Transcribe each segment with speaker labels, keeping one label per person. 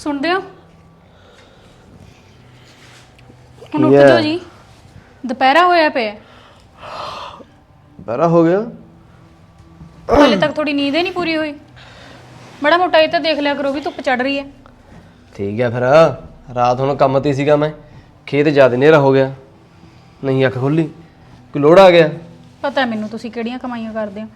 Speaker 1: ਸੁਣਦੇ ਹੋ? ਹੁਣ ਉੱਠ ਜਾਓ ਜੀ, ਦੁਪਹਿਰਾ ਹੋਇਆ ਪਿਆ।
Speaker 2: ਦੁਪਹਿਰਾ ਹੋ ਗਿਆ?
Speaker 1: ਹਾਲੇ ਤੱਕ ਥੋੜੀ ਨੀਂਦ ਹੀ ਨਹੀਂ ਪੂਰੀ ਹੋਈ। ਬੜਾ ਮੋਟਾ ਇਹ ਤਾਂ ਦੇਖ ਲਿਆ ਕਰੋ ਵੀ ਧੁੱਪ ਚੜ ਰਹੀ ਹੈ।
Speaker 2: ਠੀਕ ਹੈ ਫਿਰ ਰਾਤ ਹੁਣ ਕੰਮ ਤੇ ਸੀਗਾ ਮੈਂ, ਖੇਤ ਜ਼ਿਆਦਾ ਹਨੇਰਾ ਹੋ ਗਿਆ, ਨਹੀਂ ਅੱਖ ਖੁੱਲੀ, ਕੋਈ ਲੋੜ ਆ ਗਿਆ।
Speaker 1: ਪਤਾ ਮੈਨੂੰ ਤੁਸੀਂ ਕਿਹੜੀਆਂ ਕਮਾਈਆਂ ਕਰਦੇ ਹੋ।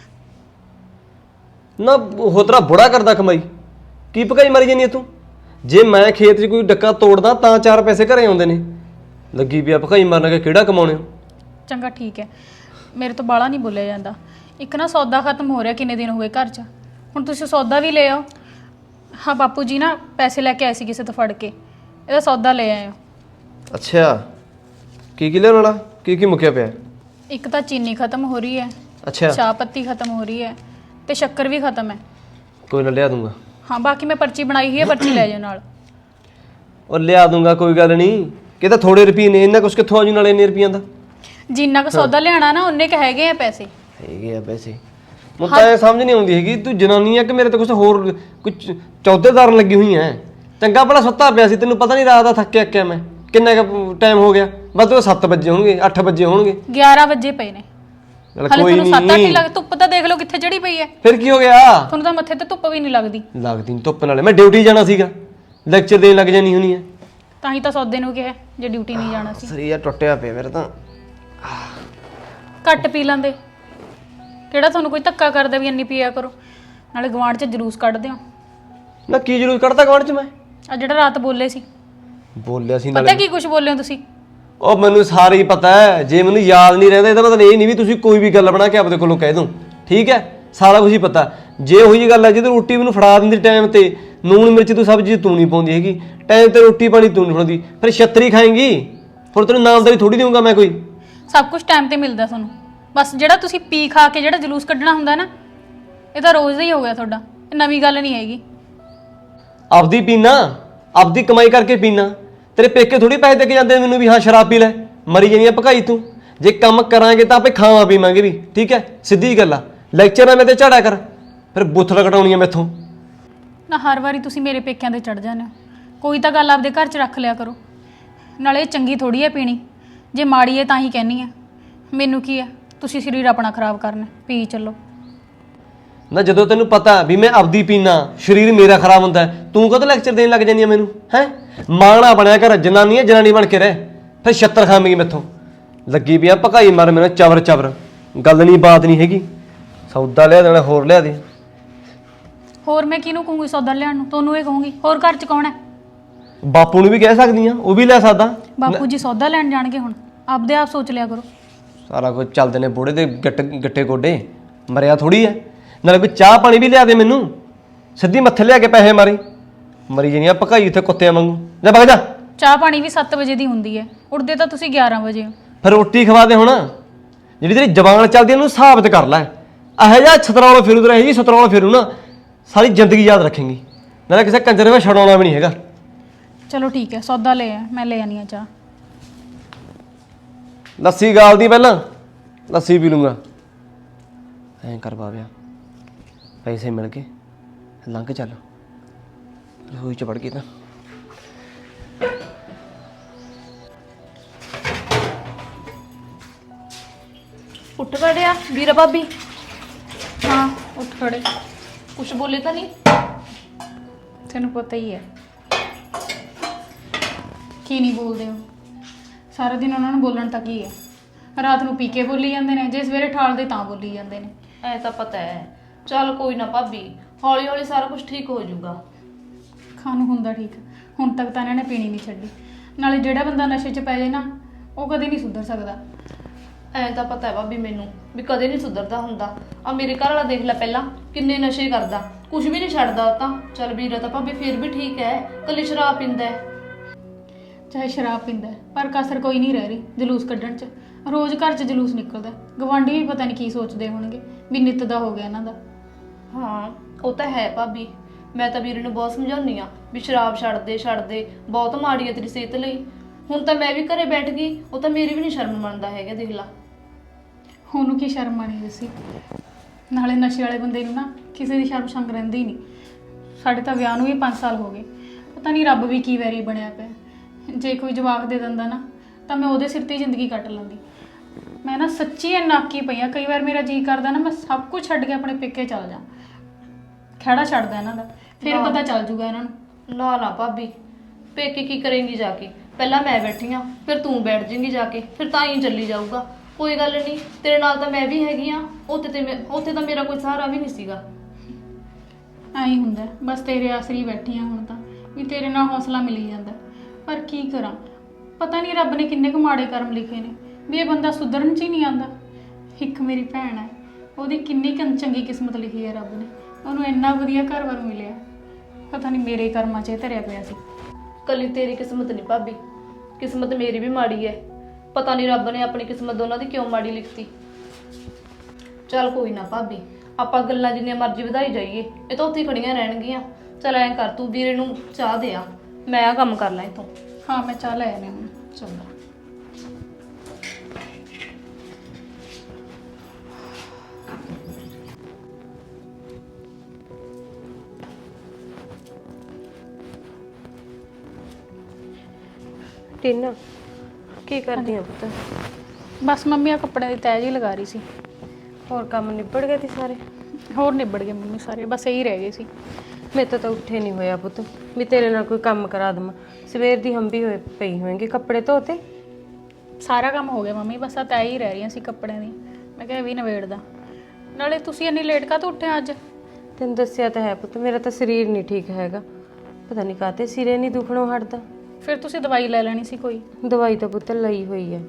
Speaker 2: ਨਾ ਉਹ ਤੇਰਾ ਬੁੜਾ ਕਰਦਾ ਕਮਾਈ, ਕੀ ਭਕਾਈ ਮਾਰੀ ਜਾਨੀ ਤੂੰ? ਜੇ ਮੈਂ ਖੇਤ 'ਚ ਕੋਈ ਡੱਕਾ ਤੋੜਦਾ ਤਾਂ 4 ਪੈਸੇ ਘਰੇ ਆਉਂਦੇ ਨੇ, ਲੱਗੀ ਪਿਆ ਭਕਾਈ ਮਾਰਨ ਕੇ ਕਿਹੜਾ ਕਮਾਉਣੇ ਹੋ।
Speaker 1: ਚੰਗਾ ਠੀਕ ਹੈ, ਮੇਰੇ ਤੋਂ ਬਾਲਾ ਨਹੀਂ ਬੋਲਿਆ ਜਾਂਦਾ। ਇੱਕ ਨਾ ਸੌਦਾ ਖਤਮ ਹੋ ਰਿਹਾ, ਕਿੰਨੇ ਦਿਨ ਹੋਏ ਘਰ 'ਚ। ਹੁਣ ਤੁਸੀਂ ਸੌਦਾ ਵੀ ਲੈ ਆਓ। ਹਾਂ ਬਾਪੂ ਜੀ ਨਾ ਪੈਸੇ ਲੈ ਕੇ ਆਏ ਸੀ ਕਿਸੇ ਤੋਂ ਫੜ ਕੇ, ਇਹਦਾ ਸੌਦਾ ਲੈ ਆਇਓ।
Speaker 2: ਅੱਛਾ ਕੀ ਲਿਆਉਣ ਵਾਲਾ, ਕੀ ਮੁੱਕਿਆ ਪਿਆ?
Speaker 1: ਇੱਕ ਤਾਂ ਚੀਨੀ ਖਤਮ ਹੋ ਰਹੀ ਹੈ,
Speaker 2: ਅੱਛਾ
Speaker 1: ਚਾਹ ਪੱਤੀ ਖਤਮ ਹੋ ਰਹੀ ਹੈ ਤੇ ਸ਼ੱਕਰ ਵੀ ਖਤਮ ਹੈ।
Speaker 2: ਕੋਈ ਨਾ ਲਿਆ ਦੂੰਗਾ।
Speaker 1: ਹਾਂ ਬਾਕੀ ਮੈਂ ਪਰਚੀ ਬਣਾਈ ਹੋਈ ਹੈ, ਪਰਚੀ ਲੈ ਜਾਓ ਨਾਲ।
Speaker 2: ਉਹ ਲਿਆ ਦੂੰਗਾ, ਕੋਈ ਗੱਲ ਨਹੀਂ। ਕਿ ਤਾਂ ਥੋੜੇ ਰੁਪਏ ਨੇ, ਇੰਨਾ ਕੁਛ ਕਿੱਥੋਂ ਆ ਜੂ ਨਾਲੇ ਇੰਨੇ ਰੁਪਈਆਂ ਦਾ।
Speaker 1: ਜਿੰਨਾ ਕੁ ਸੌਦਾ ਲਿਆਣਾ ਨਾ ਉਹਨੇ ਕੁ ਹੈਗੇ ਆ ਪੈਸੇ।
Speaker 2: ਹੈਗੇ ਆ ਪੈਸੇ? ਮੈਨੂੰ ਤਾਂ ਇਹ ਸਮਝ ਨਹੀਂ ਆਉਂਦੀ ਹੈਗੀ, ਤੂੰ ਜਨਾਨੀ ਆ ਕਿ ਮੇਰੇ ਤੇ ਕੁਛ ਹੋਰ ਕੁਝ ਚੌਧੇਦਾਰਨ ਲੱਗੀ ਹੋਈ ਐ। ਚੰਗਾ ਭਲਾ ਸੁੱਤਾ ਪਿਆ ਸੀ, ਤੈਨੂੰ ਪਤਾ ਨਹੀਂ ਰਾਤ ਦਾ ਥੱਕਿਆ ਮੈਂ। ਕਿੰਨਾ ਕੁ ਟਾਈਮ ਹੋ ਗਿਆ? ਬਸ ਉਹ 7 ਵਜੇ ਹੋਣਗੇ, 8 ਵਜੇ ਹੋਣਗੇ।
Speaker 1: 11 ਵਜੇ ਪਏ ਨੇ।
Speaker 2: ਚੱਲ
Speaker 1: ਹਾਲੇ
Speaker 2: ਕੋਈ
Speaker 1: ਤੁਹਾਨੂੰ 7-8 ਹੀ
Speaker 2: ਨਹੀਂ।
Speaker 1: ਲੱਗ, ਧੁੱਪ ਤਾਂ ਦੇਖ ਲਓ ਕਿੱਥੇ ਚੜੀ ਪਈ ਹੈ।
Speaker 2: ਫਿਰ ਕੀ ਹੋ ਗਿਆ?
Speaker 1: ਤੁਹਾਨੂੰ ਤਾਂ ਮੱਥੇ ਤੇ ਧੁੱਪ ਵੀ ਨਹੀਂ ਲੱਗਦੀ।
Speaker 2: ਲੱਗਦੀ ਨਹੀਂ ਧੁੱਪ ਨਾਲੇ, ਮੈਂ ਡਿਊਟੀ ਜਾਣਾ ਸੀਗਾ, ਲੈਕਚਰ ਦੇਣ ਲੱਗ ਜਾਣੀ ਹੋਣੀ ਐ।
Speaker 1: ਤਾਂ ਹੀ ਤਾਂ ਸੌਦੇ ਨੂੰ ਕਿਹਾ ਜੇ ਡਿਊਟੀ ਨਹੀਂ ਜਾਣਾ ਸੀ।
Speaker 2: ਸਰੀਰ ਟੁੱਟਿਆ ਪਿਆ ਮੇਰਾ ਤਾਂ।
Speaker 1: ਘੱਟ ਪੀ ਲੈਂਦੇ, ਕਿਹੜਾ ਤੁਹਾਨੂੰ ਕੋਈ ਧੱਕਾ ਕਰਦਾ ਵੀ ਇੰਨੀ ਪੀਆ ਕਰੋ। ਨਾਲੇ ਗਵਾਂਢ 'ਚ ਜਲੂਸ ਕੱਢਦੇ ਹੋ।
Speaker 2: ਨਾ ਕੀ ਜਰੂਰ ਕੱਢਦਾ ਗਵਾਂਢ 'ਚ ਮੈਂ?
Speaker 1: ਆ ਜਿਹੜਾ ਰਾਤ ਬੋਲੇ ਸੀ,
Speaker 2: ਬੋਲਿਆ ਸੀ
Speaker 1: ਪਤਾ
Speaker 2: ਨਾਲੇ।
Speaker 1: ਕੀ ਕੁਝ ਬੋਲੇ ਹੋ ਤੁਸੀਂ?
Speaker 2: ਉਹ ਮੈਨੂੰ ਸਾਰੇ ਹੀ ਪਤਾ ਹੈ, ਜੇ ਮੈਨੂੰ ਯਾਦ ਨਹੀਂ ਰਹਿੰਦਾ ਇਹਦਾ ਮਤਲਬ ਇਹ ਨਹੀਂ ਵੀ ਤੁਸੀਂ ਕੋਈ ਵੀ ਗੱਲ ਬਣਾ ਕੇ ਆਪਦੇ ਕੋਲੋਂ ਕਹਿ ਦੋ। ਠੀਕ ਹੈ, ਸਾਰਾ ਕੁਝ ਹੀ ਪਤਾ। ਜੇ ਉਹੀ ਜੀ ਗੱਲ ਹੈ ਜਦੋਂ ਰੋਟੀ ਮੈਨੂੰ ਫੜਾ ਦਿੰਦੀ ਟਾਈਮ ਤੇ, ਨੂਣ ਮਿਰਚ ਤੂੰ ਸਬਜ਼ੀ ਤੂੰ ਨਹੀਂ ਪਾਉਂਦੀ ਹੈਗੀ, ਟਾਈਮ ਤੇ ਰੋਟੀ ਪਾਣੀ ਤੂੰ ਨਹੀਂ ਫੜਾਉਂਦੀ, ਫਿਰ ਛੱਤਰੀ ਖਾਏਂਗੀ। ਹੁਣ ਤੈਨੂੰ ਨਾਮਦਾਰੀ ਥੋੜੀ ਦੇਵਾਂਗਾ ਮੈਂ ਕੋਈ।
Speaker 1: ਸਭ ਕੁਝ ਟਾਈਮ ਤੇ ਮਿਲਦਾ ਤੁਹਾਨੂੰ, ਬਸ ਜਿਹੜਾ ਤੁਸੀਂ ਪੀ ਖਾ ਕੇ ਜਿਹੜਾ ਜਲੂਸ ਕੱਢਣਾ ਹੁੰਦਾ ਨਾ, ਇਹ ਤਾਂ ਰੋਜ਼ ਦਾ ਹੀ ਹੋ ਗਿਆ ਤੁਹਾਡਾ, ਇਹ ਨਵੀਂ ਗੱਲ ਨਹੀਂ ਹੈਗੀ।
Speaker 2: ਆਪਦੀ ਪੀਣਾ, ਆਪਦੀ ਕਮਾਈ ਕਰਕੇ ਪੀਣਾ। ਤੇਰੇ ਪੇਕੇ ਥੋੜੀ ਪੈਸੇ ਦੇ ਕੇ ਜਾਂਦੇ ਮੈਨੂੰ ਵੀ ਹਾਂ ਸ਼ਰਾਬ ਪੀ ਲੈ, ਮਰੀ ਜਾਣੀ ਆ ਭਕਾਈ ਤੂੰ। ਜੇ ਕੰਮ ਕਰਾਂਗੇ ਤਾਂ ਆਪੇ ਖਾਵਾਂ ਪੀਵਾਂਗੇ ਵੀ। ਠੀਕ ਹੈ, ਸਿੱਧੀ ਗੱਲ ਆ। ਲੈਕਚਰ ਨਾ ਮੇਰੇ ਤੇ ਝਾੜਿਆ ਕਰ, ਫਿਰ ਬੁੱਥਲ ਕਟਾਉਣੀ ਆ ਮੈਥੋਂ।
Speaker 1: ਨਾ ਹਰ ਵਾਰੀ ਤੁਸੀਂ ਮੇਰੇ ਪੇਕਿਆਂ ਤੇ ਚੜ ਜਾਂਦੇ ਹੋ। ਕੋਈ ਤਾਂ ਗੱਲ ਆਪਦੇ ਘਰ 'ਚ ਰੱਖ ਲਿਆ ਕਰੋ। ਨਾਲੇ ਇਹ ਚੰਗੀ ਥੋੜੀ ਹੈ ਪੀਣੀ, ਜੇ ਮਾੜੀ ਹੈ ਤਾਂ ਹੀ ਕਹਿੰਨੀ ਆ। ਮੈਨੂੰ ਕੀ ਹੈ, ਤੁਸੀਂ ਸਰੀਰ ਆਪਣਾ ਖਰਾਬ ਕਰਨਾ, ਪੀ ਚੱਲੋ।
Speaker 2: ਨਾ ਜਦੋਂ ਤੈਨੂੰ ਪਤਾ ਵੀ ਮੈਂ ਆਪਦੀ ਪੀਣਾ, ਸਰੀਰ ਮੇਰਾ ਖਰਾਬ ਹੁੰਦਾ, ਤੂੰ ਕਦੋਂ ਲੈਕਚਰ ਦੇਣ ਲੱਗ ਜਾਂਦੀ ਆ ਮੈਨੂੰ? ਹੈ ਮਾਣਾ ਬਣਿਆ ਕਰ, ਜਨਾਨੀ ਹੈ ਜਨਾਨੀ ਬਣ ਕੇ ਰਹਿ, ਫਿਰ ਛੱਤਰ ਖਾਵੇਂਗੀ ਮੈਥੋਂ। ਲੱਗੀ ਪਿਆ ਭਕਾਈ ਮਾਰ ਮੈਨੂੰ ਚਵਰ ਚਵਰ, ਗੱਲ ਨਹੀਂ ਬਾਤ ਨਹੀਂ ਹੈਗੀ। ਸੌਦਾ ਲਿਆ ਦੇਣਾ, ਹੋਰ ਲਿਆ ਦੇ।
Speaker 1: ਹੋਰ ਮੈਂ ਕਿਹਨੂੰ ਕਹੂੰਗੀ ਸੌਦਾ ਲਿਆਉਣ ਨੂੰ? ਤੁਹਾਨੂੰ ਇਹ ਕਹੂੰਗੀ। ਹੋਰ ਘਰ 'ਚ ਕੌਣ ਹੈ?
Speaker 2: ਬਾਪੂ ਨੂੰ ਵੀ ਕਹਿ ਸਕਦੀ ਆ, ਉਹ ਵੀ ਲੈ ਸਕਦਾ।
Speaker 1: ਬਾਪੂ ਜੀ ਸੌਦਾ ਲੈਣ ਜਾਣਗੇ ਹੁਣ, ਆਪਦੇ ਆਪ ਸੋਚ ਲਿਆ ਕਰੋ।
Speaker 2: ਸਾਰਾ ਕੁਝ ਚੱਲਦੇ ਨੇ ਬੁੜੇ ਦੇ ਗੱਟੇ ਗੋਡੇ, ਮਰਿਆ ਥੋੜੀ ਐ। ਨਾਲੇ ਕੋਈ ਚਾਹ ਪਾਣੀ ਵੀ ਲਿਆ ਦੇ ਮੈਨੂੰ, ਸਿੱਧੀ ਮੱਥੇ ਲਿਆ ਕੇ ਪੈਸੇ ਮਾਰੇ, ਮਰੀ ਜਾਣੀ ਆ ਭਕਾਈ ਉੱਥੇ ਕੁੱਤਿਆਂ ਵਾਂਗੂ। ਜਾ ਵਗ ਜਾ।
Speaker 1: ਚਾਹ ਪਾਣੀ ਵੀ 7 ਵਜੇ ਦੀ ਹੁੰਦੀ ਹੈ, ਉੱਠਦੇ ਤਾਂ ਤੁਸੀਂ 11 ਵਜੇ ਹੋ।
Speaker 2: ਫਿਰ ਰੋਟੀ ਖਵਾ ਦੇ ਹੁਣ। ਜਿਹੜੀ ਤੇਰੀ ਜ਼ਬਾਨ ਚੱਲਦੀ ਉਹਨੂੰ ਸਾਬਤ ਕਰ ਲੈ। ਇਹੋ ਜਿਹਾ ਛਤਰੌਲ ਫਿਰੂ ਤੇ ਇਹੋ ਜਿਹੀ ਛਤਰੌਲ ਫਿਰੂ ਨਾ, ਸਾਰੀ ਜ਼ਿੰਦਗੀ ਯਾਦ ਰੱਖੇਂਗੀ। ਨਾਲੇ ਕਿਸੇ ਕੰਜਰ ਵਿੱਚ ਛਡਾਉਣਾ ਵੀ ਨਹੀਂ ਹੈਗਾ।
Speaker 1: ਚਲੋ ਠੀਕ ਹੈ, ਸੌਦਾ ਲੈ ਆ, ਮੈਂ ਲੈ ਆਨੀ ਆ ਚਾਹ।
Speaker 2: ਲੱਸੀ ਗਾਲਦੀ ਪਹਿਲਾਂ, ਲੱਸੀ ਪੀ ਲੂੰਗਾ। ਐਂ ਕਰ ਬਾਬਿਆ, ਪੈਸੇ ਮਿਲ ਗਏ, ਲੰਘ ਚੱਲ। ਰਸੋਈ ਚ ਵੜ ਗਈ ਤਾਂ
Speaker 3: ਉੱਠ ਖੜਿਆ ਵੀਰਾ ਭਾਬੀ।
Speaker 1: ਹਾਂ ਉੱਠ ਖੜੇ।
Speaker 3: ਕੁਛ ਬੋਲੇ ਤਾਂ ਨਹੀਂ?
Speaker 1: ਤੈਨੂੰ ਪਤਾ ਹੀ ਹੈ ਕੀ ਨਹੀਂ ਬੋਲਦੇ ਹੋ। ਸਾਰਾ ਦਿਨ ਉਹਨਾਂ ਨੂੰ ਬੋਲਣ ਤੱਕ ਹੀ ਹੈ। ਰਾਤ ਨੂੰ ਪੀ ਕੇ ਬੋਲੀ ਜਾਂਦੇ ਨੇ, ਜੇ ਸਵੇਰੇ ਠਾਲਦੇ ਤਾਂ ਬੋਲੀ ਜਾਂਦੇ ਨੇ।
Speaker 3: ਐ ਤਾਂ ਪਤਾ ਹੈ। ਚੱਲ ਕੋਈ ਨਾ ਭਾਬੀ, ਹੌਲੀ ਹੌਲੀ ਸਾਰਾ ਕੁਝ ਠੀਕ ਹੋ ਜਾਊਗਾ।
Speaker 1: ਖਾਣ ਨੂੰ ਹੁੰਦਾ ਠੀਕ, ਹੁਣ ਤੱਕ ਤਾਂ ਇਹਨਾਂ ਨੇ ਪੀਣੀ ਨਹੀਂ ਛੱਡੀ। ਨਾਲੇ ਜਿਹੜਾ ਬੰਦਾ ਨਸ਼ੇ 'ਚ ਪੈ ਜਾਏ ਨਾ, ਉਹ ਕਦੇ ਨਹੀਂ ਸੁਧਰ ਸਕਦਾ।
Speaker 3: ਐ ਤਾਂ ਪਤਾ ਹੈ ਭਾਬੀ ਮੈਨੂੰ ਵੀ ਕਦੇ ਨਹੀਂ ਸੁਧਰਦਾ ਹੁੰਦਾ। ਆ ਮੇਰੇ ਘਰ ਵਾਲਾ ਦੇਖ ਲੈ, ਪਹਿਲਾਂ ਕਿੰਨੇ ਨਸ਼ੇ ਕਰਦਾ, ਕੁਝ ਵੀ ਨਹੀਂ ਛੱਡਦਾ ਉਹ ਤਾਂ। ਚੱਲ ਵੀਰਾ ਤਾਂ ਭਾਬੀ ਫਿਰ ਵੀ ਠੀਕ ਹੈ, ਕੱਲੀ ਸ਼ਰਾਬ ਪੀਂਦਾ ਹੈ।
Speaker 1: ਚਾਹੇ ਸ਼ਰਾਬ ਪੀਂਦਾ ਪਰ ਕਸਰ ਕੋਈ ਨਹੀਂ ਰਹਿ ਰਹੀ ਜਲੂਸ ਕੱਢਣ 'ਚ। ਰੋਜ਼ ਘਰ 'ਚ ਜਲੂਸ ਨਿਕਲਦਾ। ਗਵਾਂਢੀ ਵੀ ਪਤਾ ਨਹੀਂ ਕੀ ਸੋਚਦੇ ਹੋਣਗੇ ਵੀ ਨਿੱਤ ਦਾ ਹੋ ਗਿਆ ਇਹਨਾਂ ਦਾ।
Speaker 3: ਹਾਂ ਉਹ ਤਾਂ ਹੈ ਭਾਬੀ, ਮੈਂ ਤਾਂ ਵੀਰੇ ਨੂੰ ਬਹੁਤ ਸਮਝਾਉਂਦੀ ਆ ਵੀ ਸ਼ਰਾਬ ਛੱਡ ਦੇ, ਬਹੁਤ ਮਾੜੀ ਹੈ ਤੇਰੀ ਸਿਹਤ ਲਈ। ਹੁਣ ਤਾਂ ਮੈਂ ਵੀ ਘਰੇ ਬੈਠ ਗਈ, ਉਹ ਤਾਂ ਮੇਰੀ ਵੀ ਨਹੀਂ ਸ਼ਰਮ ਮੰਨਦਾ ਹੈਗਾ। ਦੇਖ ਲਾ
Speaker 1: ਉਹਨੂੰ ਕੀ ਸ਼ਰਮ ਆਣੀ ਦੱਸੀ। ਨਾਲੇ ਨਸ਼ੇ ਵਾਲੇ ਬੰਦੇ ਨੂੰ ਨਾ ਕਿਸੇ ਦੀ ਸ਼ਰਮ ਸ਼ੰਗ ਰਹਿੰਦੀ ਨਹੀਂ। ਸਾਡੇ ਤਾਂ ਵਿਆਹ ਨੂੰ ਵੀ 5 ਸਾਲ ਹੋ ਗਏ, ਪਤਾ ਨਹੀਂ ਰੱਬ ਵੀ ਕੀ ਵੈਰੀ ਬਣਿਆ ਪਿਆ। ਜੇ ਕੋਈ ਜਵਾਕ ਦੇ ਦਿੰਦਾ ਨਾ ਤਾਂ ਮੈਂ ਉਹਦੇ ਸਿਰ ਤੇ ਹੀ ਜ਼ਿੰਦਗੀ ਕੱਟ ਲੈਂਦੀ। ਮੈਂ ਨਾ ਸੱਚੀ ਨਾਕੀ ਪਈ ਆ। ਕਈ ਵਾਰ ਮੇਰਾ ਜੀ ਕਰਦਾ ਨਾ ਮੈਂ ਸਭ ਕੁਝ ਛੱਡ ਕੇ ਆਪਣੇ ਪੇਕੇ ਚੱਲ ਜਾ, ਖਹਿੜਾ ਛੱਡਦਾ ਇਹਨਾਂ ਦਾ, ਫਿਰ ਪਤਾ ਚੱਲ ਜੂਗਾ ਇਹਨਾਂ ਨੂੰ।
Speaker 3: ਨਾ ਨਾ ਭਾਬੀ, ਪੇਕੇ ਕੀ ਕਰੇਂਗੀ ਜਾ ਕੇ? ਪਹਿਲਾਂ ਮੈਂ ਬੈਠੀ ਆ, ਫਿਰ ਤੂੰ ਬੈਠ ਜਾਏਂਗੀ ਜਾ ਕੇ, ਫਿਰ ਤਾਂ ਹੀ ਚੱਲੀ ਜਾਊਗਾ। ਕੋਈ ਗੱਲ ਨਹੀਂ, ਤੇਰੇ ਨਾਲ ਤਾਂ ਮੈਂ ਵੀ ਹੈਗੀ ਆ। ਉੱਥੇ ਤਾਂ ਮੇਰਾ ਕੋਈ ਸਹਾਰਾ ਵੀ ਨਹੀਂ ਸੀਗਾ।
Speaker 1: ਐਂ ਹੁੰਦਾ ਬਸ ਤੇਰੇ ਆਸਰੀ ਬੈਠੀ ਆ ਹੁਣ ਤਾਂ, ਵੀ ਤੇਰੇ ਨਾਲ ਹੌਸਲਾ ਮਿਲੀ ਜਾਂਦਾ। ਪਰ ਕੀ ਕਰਾਂ, ਪਤਾ ਨਹੀਂ ਰੱਬ ਨੇ ਕਿੰਨੇ ਕੁ ਮਾੜੇ ਕਰਮ ਲਿਖੇ ਨੇ ਵੀ ਇਹ ਬੰਦਾ ਸੁਧਰਨ 'ਚ ਹੀ ਨਹੀਂ ਆਉਂਦਾ। ਇੱਕ ਮੇਰੀ ਭੈਣ ਹੈ, ਉਹਦੀ ਕਿੰਨੀ ਚੰਗੀ ਕਿਸਮਤ ਲਿਖੀ ਹੈ ਰੱਬ ਨੇ, ਉਹਨੂੰ ਇੰਨਾ ਵਧੀਆ ਘਰ-ਬਾਰ ਮਿਲਿਆ। ਪਤਾ ਨਹੀਂ ਮੇਰੇ ਕਰਮਾਂ 'ਚ ਇਹ ਧਰਿਆ ਪਿਆ ਸੀ।
Speaker 3: ਕੱਲੀ ਤੇਰੀ ਕਿਸਮਤ ਨਹੀਂ ਭਾਬੀ, ਕਿਸਮਤ ਮੇਰੀ ਵੀ ਮਾੜੀ ਹੈ। ਪਤਾ ਨਹੀਂ ਰੱਬ ਨੇ ਆਪਣੀ ਕਿਸਮਤ ਦੋਨਾਂ ਦੀ ਕਿਉਂ ਮਾੜੀ ਲਿਖਤੀ। ਚੱਲ ਕੋਈ ਨਾ ਭਾਬੀ, ਆਪਾਂ ਗੱਲਾਂ ਜਿੰਨੀਆਂ ਮਰਜ਼ੀ ਵਧਾਈ ਜਾਈਏ, ਇਹ ਤਾਂ ਉੱਥੇ ਹੀ ਖੜੀਆਂ ਰਹਿਣਗੀਆਂ। ਚੱਲ ਐਂ ਕਰ, ਤੂੰ ਵੀਰੇ ਨੂੰ ਚਾਹ ਦੇ ਆ, ਮੈਂ ਆ ਕੰਮ ਕਰ ਲਾਂ ਇੱਥੋਂ।
Speaker 1: ਹਾਂ ਮੈਂ ਚਾਹ ਲੈ ਆਨੇ ਹੁਣ। ਚੰਗਾ।
Speaker 4: ਟੀਨਾ ਕੀ ਕਰਦੀ ਆ ਪੁੱਤ?
Speaker 1: ਬਸ ਮੰਮੀ ਆ ਕੱਪੜਿਆਂ ਦੀ ਤਹਿ ਜੀ ਲਗਾ ਰਹੀ ਸੀ।
Speaker 4: ਹੋਰ ਕੰਮ ਨਿਬੜ ਗਏ ਤੇ ਸਾਰੇ?
Speaker 1: ਹੋਰ ਨਿਬੜ ਗਏ ਮੰਮੀ ਸਾਰੇ, ਬਸ ਇਹੀ ਰਹਿ ਗਏ ਸੀ।
Speaker 4: ਮੇਰੇ ਤਾਂ ਉੱਠੇ ਨਹੀਂ ਹੋਇਆ ਪੁੱਤ ਵੀ ਤੇਰੇ ਨਾਲ ਕੋਈ ਕੰਮ ਕਰਾ ਦਵਾਂ। ਸਵੇਰ ਦੀ ਹੰਬੀ ਹੋਏ ਪਈ ਹੋਏਗੀ। ਕੱਪੜੇ ਧੋਤੇ?
Speaker 1: ਸਾਰਾ ਕੰਮ ਹੋ ਗਿਆ ਮੰਮੀ, ਬਸ ਆ ਤਹਿ ਹੀ ਰਹਿ ਰਹੀਆਂ ਸੀ ਕੱਪੜਿਆਂ ਦੀ। ਮੈਂ ਕਿਹਾ ਇਹ ਵੀ ਨਵੇੜਦਾ। ਨਾਲੇ ਤੁਸੀਂ ਇੰਨੀ ਲੇਟ ਕਾਹਤੋਂ ਉੱਠੇ ਅੱਜ?
Speaker 4: ਤੈਨੂੰ ਦੱਸਿਆ ਤਾਂ ਹੈ ਪੁੱਤ, ਮੇਰਾ ਤਾਂ ਸਰੀਰ ਨਹੀਂ ਠੀਕ ਹੈਗਾ। ਪਤਾ ਨਹੀਂ ਕਾਹਤੇ ਸਿਰੇ ਨਹੀਂ ਦੁਖਣੋਂ ਹਟਦਾ।
Speaker 1: ਫਿਰ ਤੁਸੀਂ ਦਵਾਈ ਲੈ ਲੈਣੀ ਸੀ ਕੋਈ।
Speaker 4: ਦਵਾਈ ਤਾਂ ਪੁੱਤ ਲਈ ਹੋਈ ਹੈ।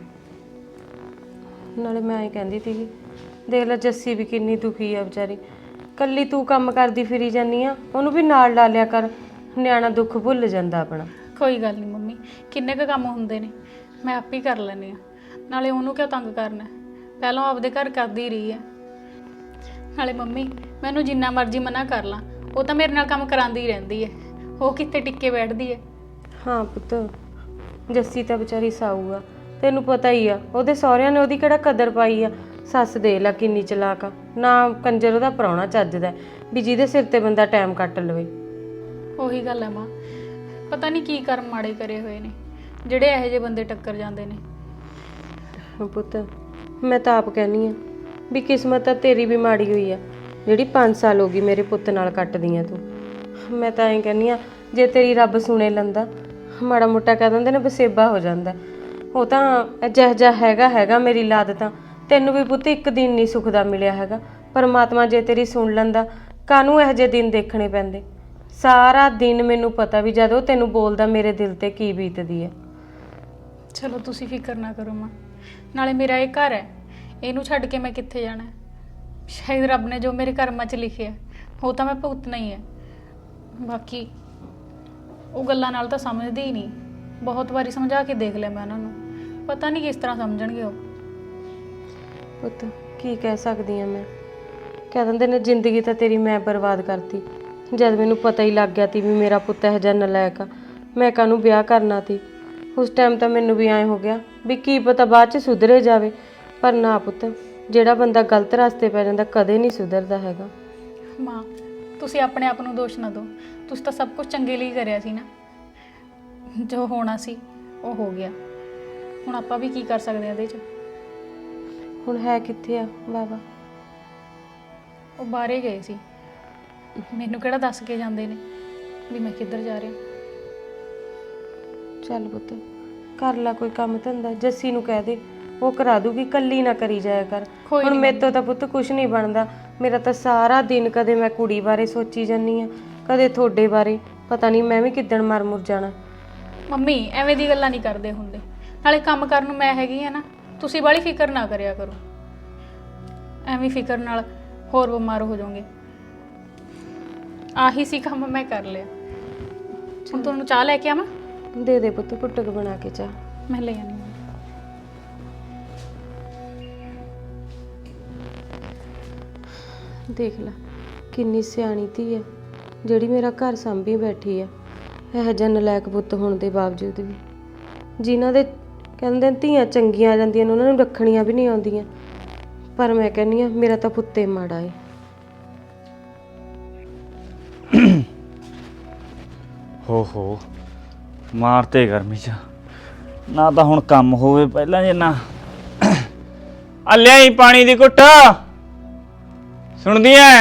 Speaker 4: ਨਾਲੇ ਮੈਂ ਐਂ ਕਹਿੰਦੀ ਸੀਗੀ, ਦੇਖ ਲੈ ਜੱਸੀ ਵੀ ਕਿੰਨੀ ਦੁਖੀ ਆ ਵਿਚਾਰੀ। ਕੱਲੀ ਤੂੰ ਕੰਮ ਕਰਦੀ ਫਿਰੀ ਜਾਨੀ ਆ, ਉਹਨੂੰ ਵੀ ਨਾਲ ਲਾ ਲਿਆ ਕਰ, ਨਿਆਣਾ ਦੁੱਖ ਭੁੱਲ ਜਾਂਦਾ ਆਪਣਾ।
Speaker 1: ਕੋਈ ਗੱਲ ਨਹੀਂ ਮੰਮੀ, ਕਿੰਨੇ ਕੁ ਕੰਮ ਹੁੰਦੇ ਨੇ, ਮੈਂ ਆਪ ਹੀ ਕਰ ਲੈਂਦੀ ਆ। ਨਾਲੇ ਉਹਨੂੰ ਕਿਉਂ ਤੰਗ ਕਰਨਾ, ਪਹਿਲਾਂ ਆਪਦੇ ਘਰ ਕਰਦੀ ਰਹੀ ਹੈ। ਨਾਲੇ ਮੰਮੀ ਮੈਨੂੰ ਜਿੰਨਾ ਮਰਜ਼ੀ ਮਨਾ ਕਰ ਲਾਂ, ਉਹ ਤਾਂ ਮੇਰੇ ਨਾਲ ਕੰਮ ਕਰਾਉਂਦੀ ਹੀ ਰਹਿੰਦੀ ਹੈ। ਉਹ ਕਿੱਥੇ ਟਿੱਕੇ ਬੈਠਦੀ ਹੈ।
Speaker 4: ਹਾਂ ਪੁੱਤ, ਜੱਸੀ ਤਾਂ ਵਿਚਾਰੀ ਸਾਊ ਆ, ਤੈਨੂੰ ਪਤਾ ਹੀ ਆ। ਉਹਦੇ ਸਹੁਰਿਆਂ ਨੇ ਉਹਦੀ ਕਿਹੜਾ ਕਦਰ ਪਾਈ ਆ। ਸੱਸ ਦੇ ਲਾ ਕਿੰਨੀ ਚਲਾਕ ਆ, ਨਾ ਕੰਜਰ ਉਹਦਾ ਪ੍ਰਾਹੁਣਾ ਚੱਜਦਾ ਵੀ ਜਿਹਦੇ ਸਿਰ ਤੇ ਬੰਦਾ ਟਾਈਮ ਕੱਟ ਲਵੇ।
Speaker 1: ਉਹੀ ਗੱਲ ਹੈ ਮਾਂ, ਪਤਾ ਨਹੀਂ ਕੀ ਕਰਮ ਮਾੜੇ ਕਰੇ ਹੋਏ ਨੇ ਜਿਹੜੇ ਇਹੋ ਜਿਹੇ ਬੰਦੇ ਟੱਕਰ ਜਾਂਦੇ ਨੇ।
Speaker 4: ਪੁੱਤ ਮੈਂ ਤਾਂ ਆਪ ਕਹਿੰਦੀ ਆ ਵੀ ਕਿਸਮਤ ਤਾਂ ਤੇਰੀ ਵੀ ਮਾੜੀ ਹੋਈ ਆ, ਜਿਹੜੀ 5 ਸਾਲ ਹੋ ਗਈ ਮੇਰੇ ਪੁੱਤ ਨਾਲ ਕੱਟਦੀ ਆ ਤੂੰ। ਮੈਂ ਤਾਂ ਐਂ ਕਹਿੰਦੀ ਆ, ਜੇ ਤੇਰੀ ਰੱਬ ਸੁਣੇ ਲੰਦਾ, ਮਾੜਾ ਮੋਟਾ ਕਹਿ ਦਿੰਦੇ ਨੇ ਵਸੇਬਾ ਹੋ ਜਾਂਦਾ। ਉਹ ਤਾਂ ਜਿਹੋ ਜਿਹਾ ਹੈਗਾ ਮੇਰੀ ਲਾਦ ਤਾਂ ਤੈਨੂੰ ਵੀ ਪੁੱਤ ਇੱਕ ਦਿਨ ਨਹੀਂ ਸੁੱਖ ਦਾ ਮਿਲਿਆ ਹੈਗਾ। ਪਰਮਾਤਮਾ ਜੇ ਤੇਰੀ ਸੁਣ ਲੈਂਦਾ, ਕਾਹਨੂੰ ਇਹੋ ਜਿਹੇ ਦਿਨ ਦੇਖਣੇ ਪੈਂਦੇ। ਸਾਰਾ ਦਿਨ ਮੈਨੂੰ ਪਤਾ ਵੀ ਜਦੋਂ ਤੈਨੂੰ ਬੋਲਦਾ ਮੇਰੇ ਦਿਲ ਤੇ ਕੀ ਬੀਤਦੀ ਹੈ।
Speaker 1: ਚਲੋ ਤੁਸੀਂ ਫਿਕਰ ਨਾ ਕਰੋ ਮਾਂ, ਨਾਲੇ ਮੇਰਾ ਇਹ ਘਰ ਹੈ, ਇਹਨੂੰ ਛੱਡ ਕੇ ਮੈਂ ਕਿੱਥੇ ਜਾਣਾ। ਸ਼ਾਇਦ ਰੱਬ ਨੇ ਜੋ ਮੇਰੇ ਕਰਮਾਂ 'ਚ ਲਿਖਿਆ ਉਹ ਤਾਂ ਮੈਂ ਭੁਗਤਣਾ ਹੀ ਹੈ। ਬਾਕੀ ਉਹ ਗੱਲਾਂ ਨਾਲ ਤਾਂ ਸਮਝਦੀ ਹੀ ਨਹੀਂ। ਬਹੁਤ ਵਾਰੀ ਸਮਝਾ ਕੇ ਦੇਖ ਲਿਆ ਮੈਂ ਉਹਨਾਂ ਨੂੰ, ਪਤਾ ਨਹੀਂ ਕਿਸ ਤਰ੍ਹਾਂ ਸਮਝਣਗੇ ਉਹ।
Speaker 4: ਪੁੱਤ ਕੀ ਕਹਿ ਸਕਦੀ ਆ ਮੈਂ, ਕਹਿ ਦਿੰਦੇ ਨੇ ਜ਼ਿੰਦਗੀ ਤਾਂ ਤੇਰੀ ਮੈਂ ਬਰਬਾਦ ਕਰਤੀ। ਜਦ ਮੈਨੂੰ ਪਤਾ ਹੀ ਲੱਗ ਗਿਆ ਤੀ ਵੀ ਮੇਰਾ ਪੁੱਤ ਇਹੋ ਜਿਹਾ ਨਲਾਇਕ ਆ, ਮੈਂ ਕਾਹਨੂੰ ਵਿਆਹ ਕਰਨਾ ਤੀ। ਉਸ ਟਾਈਮ ਤਾਂ ਮੈਨੂੰ ਵੀ ਐਂ ਹੋ ਗਿਆ ਵੀ ਕੀ ਪਤਾ ਬਾਅਦ 'ਚ ਸੁਧਰੇ ਜਾਵੇ। ਪਰ ਨਾ ਪੁੱਤ, ਜਿਹੜਾ ਬੰਦਾ ਗਲਤ ਰਸਤੇ ਪੈ ਜਾਂਦਾ ਕਦੇ ਨਹੀਂ ਸੁਧਰਦਾ ਹੈਗਾ।
Speaker 1: ਮਾਂ ਤੁਸੀਂ ਆਪਣੇ ਆਪ ਨੂੰ ਦੋਸ਼ ਨਾ ਦਿਓ, ਤੁਸੀਂ ਤਾਂ ਸਭ ਕੁਝ ਚੰਗੇ ਲਈ ਕਰਿਆ ਸੀ ਨਾ। ਜੋ ਹੋਣਾ ਸੀ ਉਹ ਹੋ ਗਿਆ, ਹੁਣ ਆਪਾਂ ਵੀ ਕੀ ਕਰ ਸਕਦੇ ਹਾਂ ਇਹਦੇ 'ਚ।
Speaker 4: ਹੁਣ ਹੈ ਕਿੱਥੇ ਆ ਬਾਬਾ?
Speaker 1: ਉਹ ਬਾਹਰੇ ਗਏ ਸੀ, ਮੈਨੂੰ ਕਿਹੜਾ ਦੱਸ ਕੇ ਜਾਂਦੇ ਨੇ ਵੀ ਮੈਂ ਕਿੱਧਰ ਜਾ ਰਿਹਾ।
Speaker 4: ਚੱਲ ਪੁੱਤ ਕਰ ਲੈ ਕੋਈ ਕੰਮ ਧੰਦਾ, ਜੱਸੀ ਨੂੰ ਕਹਿ ਦੇ ਉਹ ਕਰਾ ਦੂਗੀ, ਕੱਲੀ ਨਾ ਕਰੀ ਜਾਇਆ ਕਰ।
Speaker 1: ਕੋਈ
Speaker 4: ਹੁਣ
Speaker 1: ਨੀ
Speaker 4: ਮੇਰੇ ਤੋਂ ਤਾਂ ਪੁੱਤ ਕੁਝ ਨਹੀਂ ਬਣਦਾ। ਮੇਰਾ ਤਾਂ ਸਾਰਾ ਦਿਨ ਕਦੇ ਮੈਂ ਕੁੜੀ ਬਾਰੇ ਸੋਚੀ ਜਾਂਦੀ ਆ, ਕਦੇ ਤੁਹਾਡੇ ਬਾਰੇ। ਪਤਾ ਨਹੀਂ ਮੈਂ ਵੀ ਕਿੱਦਣ ਮਰ ਮੁਰ ਜਾਣਾ।
Speaker 1: ਮੰਮੀ ਐਵੇਂ ਦੀ ਗੱਲਾਂ ਨਹੀਂ ਕਰਦੇ ਹੁੰਦੇ, ਨਾਲੇ ਕੰਮ ਕਰਨ ਨੂੰ ਮੈਂ ਹੈਗੀ ਆ ਨਾ, ਤੁਸੀਂ ਬਾਹਲੀ ਫਿਕਰ ਨਾ ਕਰਿਆ ਕਰੋ। ਐਵੇਂ ਫਿਕਰ ਨਾਲ ਹੋਰ ਬਿਮਾਰ ਹੋ ਜਾਓਗੇ। ਆਹੀ ਸੀ ਕੰਮ, ਮੈਂ ਕਰ ਲਿਆ। ਹੁਣ ਤੁਹਾਨੂੰ ਚਾਹ ਲੈ ਕੇ ਆਵਾਂ?
Speaker 4: ਦੇ ਦੇ ਪੁੱਤ ਕੁੱਟਕ ਬਣਾ ਕੇ ਚਾਹ।
Speaker 1: ਮੈਂ ਲੈ ਆਉਂਦੀ ਹਾਂ।
Speaker 4: ਦੇਖ ਲੈ ਕਿੰਨੀ ਸਿਆਣੀ ਧੀ ਹੈ, ਜਿਹੜੀ ਮੇਰਾ ਘਰ ਸੰਭੀ ਬੈਠੀ ਆ। ਇਹੋ ਜਿਹਾ ਨਲਾਇਕ ਪੁੱਤ ਹੋਣ ਦੇ ਬਾਵਜੂਦ ਵੀ, ਜਿਨ੍ਹਾਂ ਦੇ ਕਹਿੰਦੇ ਧੀਆਂ ਚੰਗੀਆਂ ਆ ਜਾਂਦੀਆਂ ਨੇ ਉਹਨਾਂ ਨੂੰ ਰੱਖਣੀਆਂ ਵੀ ਨਹੀਂ ਆਉਂਦੀਆਂ। ਪਰ ਮੈਂ ਕਹਿੰਦੀ ਆ ਮੇਰਾ ਤਾਂ ਪੁੱਤੇ ਮਾੜਾ ਏ।
Speaker 5: ਹੋ ਮਾਰਤੇ ਗਰਮੀ ਚ ਨਾ ਤਾਂ ਹੁਣ ਕੰਮ ਹੋਵੇ ਪਹਿਲਾਂ ਜਿੰਨਾ ਆ ਲਿਆਈ ਪਾਣੀ ਦੀ ਘੁੱਟ ਸੁਣਦੀ ਐ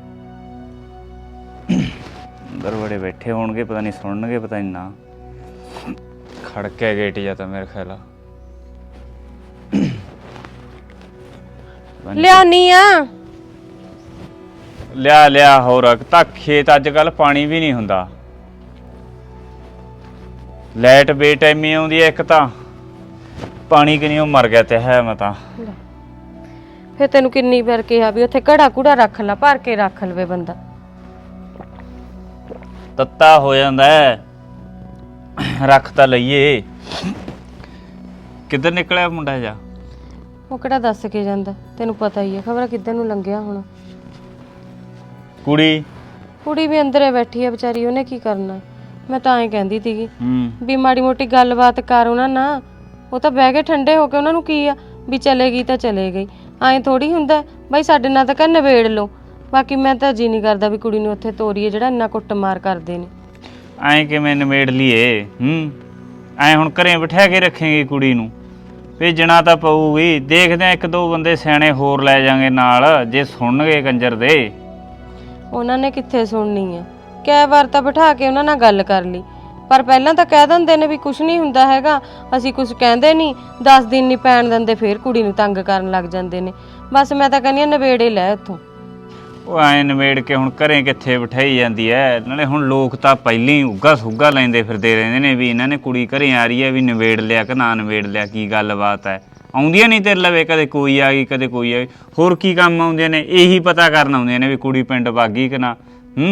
Speaker 5: ਅੰਦਰ ਬੜੇ ਬੈਠੇ ਹੋਣਗੇ ਪਤਾ ਨਹੀਂ ਸੁਣਨਗੇ ਪਤਾ ਨਹੀਂ ਨਾ ਖੜਕੇ ਗੇਟ ਜਾਂ ਤਾਂ ਮੇਰੇ ਖਿਆਲ
Speaker 4: ਲਿਆਉਣੀ ਆ।
Speaker 5: ਲਿਆ ਹੋਰ ਤਾਂ ਖੇਤ ਅੱਜ ਕੱਲ ਪਾਣੀ ਵੀ ਨਹੀਂ ਹੁੰਦਾ ਲਾਈਟ ਬੇਟਾਈਮੀ ਆਉਂਦੀ ਐ ਇੱਕ ਤਾਂ ਪਾਣੀ ਕਿ ਨਹੀਂ ਉਹ ਮਰ ਗਿਆ ਤੇ ਹੈ ਮੈਂ ਤਾਂ
Speaker 4: ਫਿਰ ਤੈਨੂੰ ਕਿੰਨੀ ਵਾਰ ਕਿਹਾ ਵੀ ਉੱਥੇ ਘੜਾ ਕੁੜਾ ਰੱਖ ਲੈ ਭਰ ਕੇ ਰੱਖ ਲਵੇ ਬੰਦਾ।
Speaker 5: ਤੱਤਾ ਹੋ ਜਾਂਦਾ ਹੈ ਰੱਖ ਤਾਂ ਲਈਏ ਕਿੱਧਰ ਨਿਕਲਿਆ ਮੁੰਡਾ ਜਾ
Speaker 4: ਉਹ ਕਿਹੜਾ ਦੱਸ ਕੇ ਜਾਂਦਾ ਤੈਨੂੰ ਪਤਾ ਹੀ ਹੈ ਖਬਰ ਕਿੱਧਰ ਨੂੰ ਲੰਘਿਆ ਹੁਣ।
Speaker 5: ਕੁੜੀ
Speaker 4: ਵੀ ਅੰਦਰੇ ਬੈਠੀ ਹੈ ਵਿਚਾਰੀ ਉਹਨੇ ਕੀ ਕਰਨਾ। ਮੈਂ ਤਾਂ ਐਂ ਕਹਿੰਦੀ ਸੀਗੀ
Speaker 5: ਹੂੰ
Speaker 4: ਵੀ ਮਾੜੀ ਮੋਟੀ ਗੱਲਬਾਤ ਕਰ ਉਹਨਾਂ ਨਾਲ ਉਹ ਤਾਂ ਬਹਿ ਕੇ ਠੰਡੇ ਹੋ ਕੇ ਉਹਨਾਂ ਨੂੰ ਕੀ ਆ ਵੀ ਚਲੇ ਗਈ ਤਾਂ ਚਲੇ ਗਈ ਐਂ ਥੋੜੀ ਹੁੰਦਾ ਬਾਈ ਸਾਡੇ ਨਾਲ ਤਾਂ ਕਹਿੰਦੇ ਨਵੇੜ ਲਓ। ਬਾਕੀ ਮੈਂ ਤਾਂ ਜੀ ਨਹੀਂ ਕਰਦਾ ਵੀ ਕੁੜੀ ਨੂੰ ਉੱਥੇ ਤੋਰੀਏ ਜਿਹੜਾ ਇੰਨਾ ਕੁੱਟਮਾਰ ਕਰਦੇ ਨੇ।
Speaker 5: ਐਂ ਕਿਵੇਂ ਨਿਮੇੜ ਲਈਏ ਐਂ ਹੁਣ ਘਰੇ ਬਿਠਾ ਕੇ ਰੱਖੇਂਗੇ ਕੁੜੀ ਨੂੰ ਭੇਜਣਾ ਤਾਂ ਪਊਗੀ ਦੇਖਦੇ ਆ ਇੱਕ ਦੋ ਬੰਦੇ ਸਿਆਣੇ ਹੋਰ ਲੈ ਜਾਾਂਗੇ ਨਾਲ ਜੇ ਸੁਣਨਗੇ ਕੰਜਰ ਦੇ।
Speaker 4: ਉਹਨਾਂ ਨੇ ਕਿੱਥੇ ਸੁਣਨੀ ਆ ਕਈ ਵਾਰ ਤਾਂ ਬਿਠਾ ਕੇ ਉਹਨਾਂ ਨਾਲ ਗੱਲ ਕਰ ਲਈ ਪਰ ਪਹਿਲਾਂ ਤਾਂ ਕਹਿ ਦਿੰਦੇ ਨੇ ਵੀ ਕੁਝ ਨਹੀਂ ਹੁੰਦਾ ਹੈਗਾ ਅਸੀਂ ਕੁਝ ਕਹਿੰਦੇ ਨਹੀਂ 10 ਦਿਨ ਨਹੀਂ ਪੈਣ ਦਿੰਦੇ ਫੇਰ ਕੁੜੀ ਨੂੰ ਤੰਗ ਕਰਨ ਲੱਗ ਜਾਂਦੇ ਨੇ। ਬਸ ਮੈਂ ਤਾਂ ਕਹਿੰਦੀ ਆ ਨਵੇੜੇ ਲੈ ਉੱਥੋਂ।
Speaker 5: ਉਹ ਐਂ ਨਿਬੇੜ ਕੇ ਹੁਣ ਘਰੇ ਕਿੱਥੇ ਬਿਠਾਈ ਜਾਂਦੀ ਐ ਨਾਲੇ ਹੁਣ ਲੋਕ ਤਾਂ ਪਹਿਲਾਂ ਹੀ ਉੱਗਾ ਸੁੱਗਾ ਲੈਂਦੇ ਫਿਰਦੇ ਰਹਿੰਦੇ ਨੇ ਵੀ ਇਹਨਾਂ ਨੇ ਕੁੜੀ ਘਰੇ ਆ ਰਹੀ ਐ ਵੀ ਨਿਬੇੜ ਲਿਆ ਕਿ ਨਾ ਨਿਬੇੜ ਲਿਆ ਕੀ ਗੱਲਬਾਤ ਐ। ਆਉਂਦੀਆਂ ਨਹੀਂ ਤੇਰੇ ਲਵੇ ਕਦੇ ਕੋਈ ਆ ਗਈ ਕਦੇ ਕੋਈ ਆ ਗਈ ਹੋਰ ਕੀ ਕੰਮ ਆਉਂਦੀਆਂ ਨੇ ਇਹੀ ਪਤਾ ਕਰਨ ਆਉਂਦੀਆਂ ਨੇ ਵੀ ਕੁੜੀ ਪਿੰਡ ਭਾਗੀ ਕਿ ਨਾ।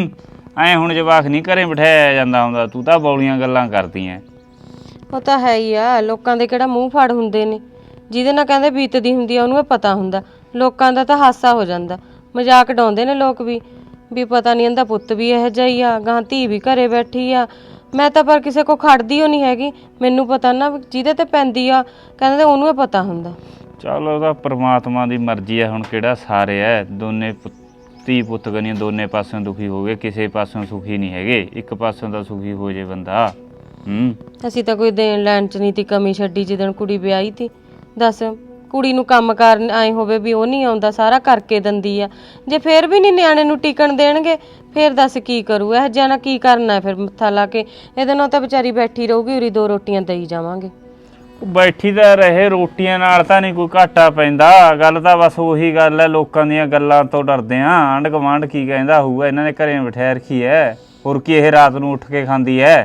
Speaker 5: ਐਂ ਹੁਣ ਜਵਾਕ ਨਹੀਂ ਘਰੇ ਬਿਠਾਇਆ ਜਾਂਦਾ ਹੁੰਦਾ ਤੂੰ ਤਾਂ ਬੌਲੀਆਂ ਗੱਲਾਂ ਕਰਦੀ ਐ।
Speaker 4: ਉਹ ਤਾਂ ਹੈ ਹੀ ਆ ਲੋਕਾਂ ਦੇ ਕਿਹੜਾ ਮੂੰਹ ਫੜ ਹੁੰਦੇ ਨੇ ਜਿਹਦੇ ਨਾਲ ਕਹਿੰਦੇ ਬੀਤਦੀ ਹੁੰਦੀ ਆ ਉਹਨੂੰ ਇਹ ਪਤਾ ਹੁੰਦਾ। ਲੋਕਾਂ ਦਾ ਤਾਂ ਹਾਸਾ ਹੋ ਜਾਂਦਾ ਮਜ਼ਾਕ ਡਾਉਂਦੇ ਨੇ ਲੋਕ ਵੀ ਪਤਾ ਨਹੀਂ ਇਹਦਾ ਪੁੱਤ ਵੀ ਇਹੋ ਜਿਹਾ ਹੀ ਆ ਗਾਂ ਧੀ ਵੀ ਘਰੇ ਬੈਠੀ ਆ। ਮੈਂ ਤਾਂ ਪਰ ਕਿਸੇ ਕੋ ਖੜਦੀ ਓ ਨਹੀਂ ਹੈਗੀ ਮੈਨੂੰ ਪਤਾ ਨਾ ਜਿਹਦੇ ਤੇ ਪੈਂਦੀ ਆ ਕਹਿੰਦੇ ਉਹਨੂੰ ਇਹ ਪਤਾ ਹੁੰਦਾ।
Speaker 5: ਚੱਲ ਉਹਦਾ ਪ੍ਰਮਾਤਮਾ ਦੀ ਮਰਜ਼ੀ ਐ ਹੁਣ ਕਿਹੜਾ ਸਾਰੇ ਐ ਦੋਨੇ ਧੀ ਪੁੱਤ ਗਨੀਆਂ ਦੋਨੇ ਪਾਸਿਓਂ ਦੁਖੀ ਹੋ ਗਏ ਕਿਸੇ ਪਾਸਿਓਂ ਸੁਖੀ ਨਹੀਂ ਹੈਗੇ ਇੱਕ ਪਾਸਿਓਂ ਤਾਂ ਸੁਖੀ ਹੋ ਜੇ ਬੰਦਾ।
Speaker 4: ਅਸੀਂ ਤਾਂ ਕੋਈ ਦੇਣ ਲੈਣ ਚ ਨਹੀਂ ਤੀ ਕਮੀ ਛੱਡੀ ਜਿੱਦਣ ਕੁੜੀ ਵਿਆਹੀ ਤੀ। ਦੱਸ ਕੁੜੀ ਨੂੰ ਕੰਮ ਕਾਰ ਆਏ ਹੋਵੇ ਵੀ ਉਹ ਨਹੀਂ ਆਉਂਦਾ ਸਾਰਾ ਕਰਕੇ ਦਿੰਦੀ ਆ ਜੇ ਫੇਰ ਵੀ ਨਹੀਂ ਨਿਆਣੇ ਨੂੰ ਟਿਕਣ ਦੇਣਗੇ ਫੇਰ ਦੱਸ ਕੀ ਕਰੂ ਇਹ ਜਿਹਾ ਨਾ ਕੀ ਕਰਨਾ ਫਿਰ ਮੱਥਾ ਲਾ ਕੇ ਇਹਦੇ ਨਾਲ ਤਾਂ ਵਿਚਾਰੀ ਬੈਠੀ ਰਹੂਗੀ ਉਰੀ 2 ਰੋਟੀਆਂ ਦੇਈ ਜਾਵਾਂਗੇ।
Speaker 5: ਬੈਠੀ ਤਾਂ ਰਹੇ ਰੋਟੀਆਂ ਨਾਲ ਤਾਂ ਨਹੀਂ ਕੋਈ ਘਾਟਾ ਪੈਂਦਾ ਗੱਲ ਤਾਂ ਬਸ ਉਹੀ ਗੱਲ ਐ ਲੋਕਾਂ ਦੀਆਂ ਗੱਲਾਂ ਤੋਂ ਡਰਦੇ ਆਂ ਆਂਢ ਗੁਆਂਢ ਕੀ ਕਹਿੰਦਾ ਹੋਊਗਾ ਇਹਨਾਂ ਨੇ ਘਰੇ ਬਿਠਾ ਰੱਖੀ ਐ ਹੋਰ ਕੀ ਇਹ ਰਾਤ ਨੂੰ ਉੱਠ ਕੇ ਖਾਂਦੀ ਐ।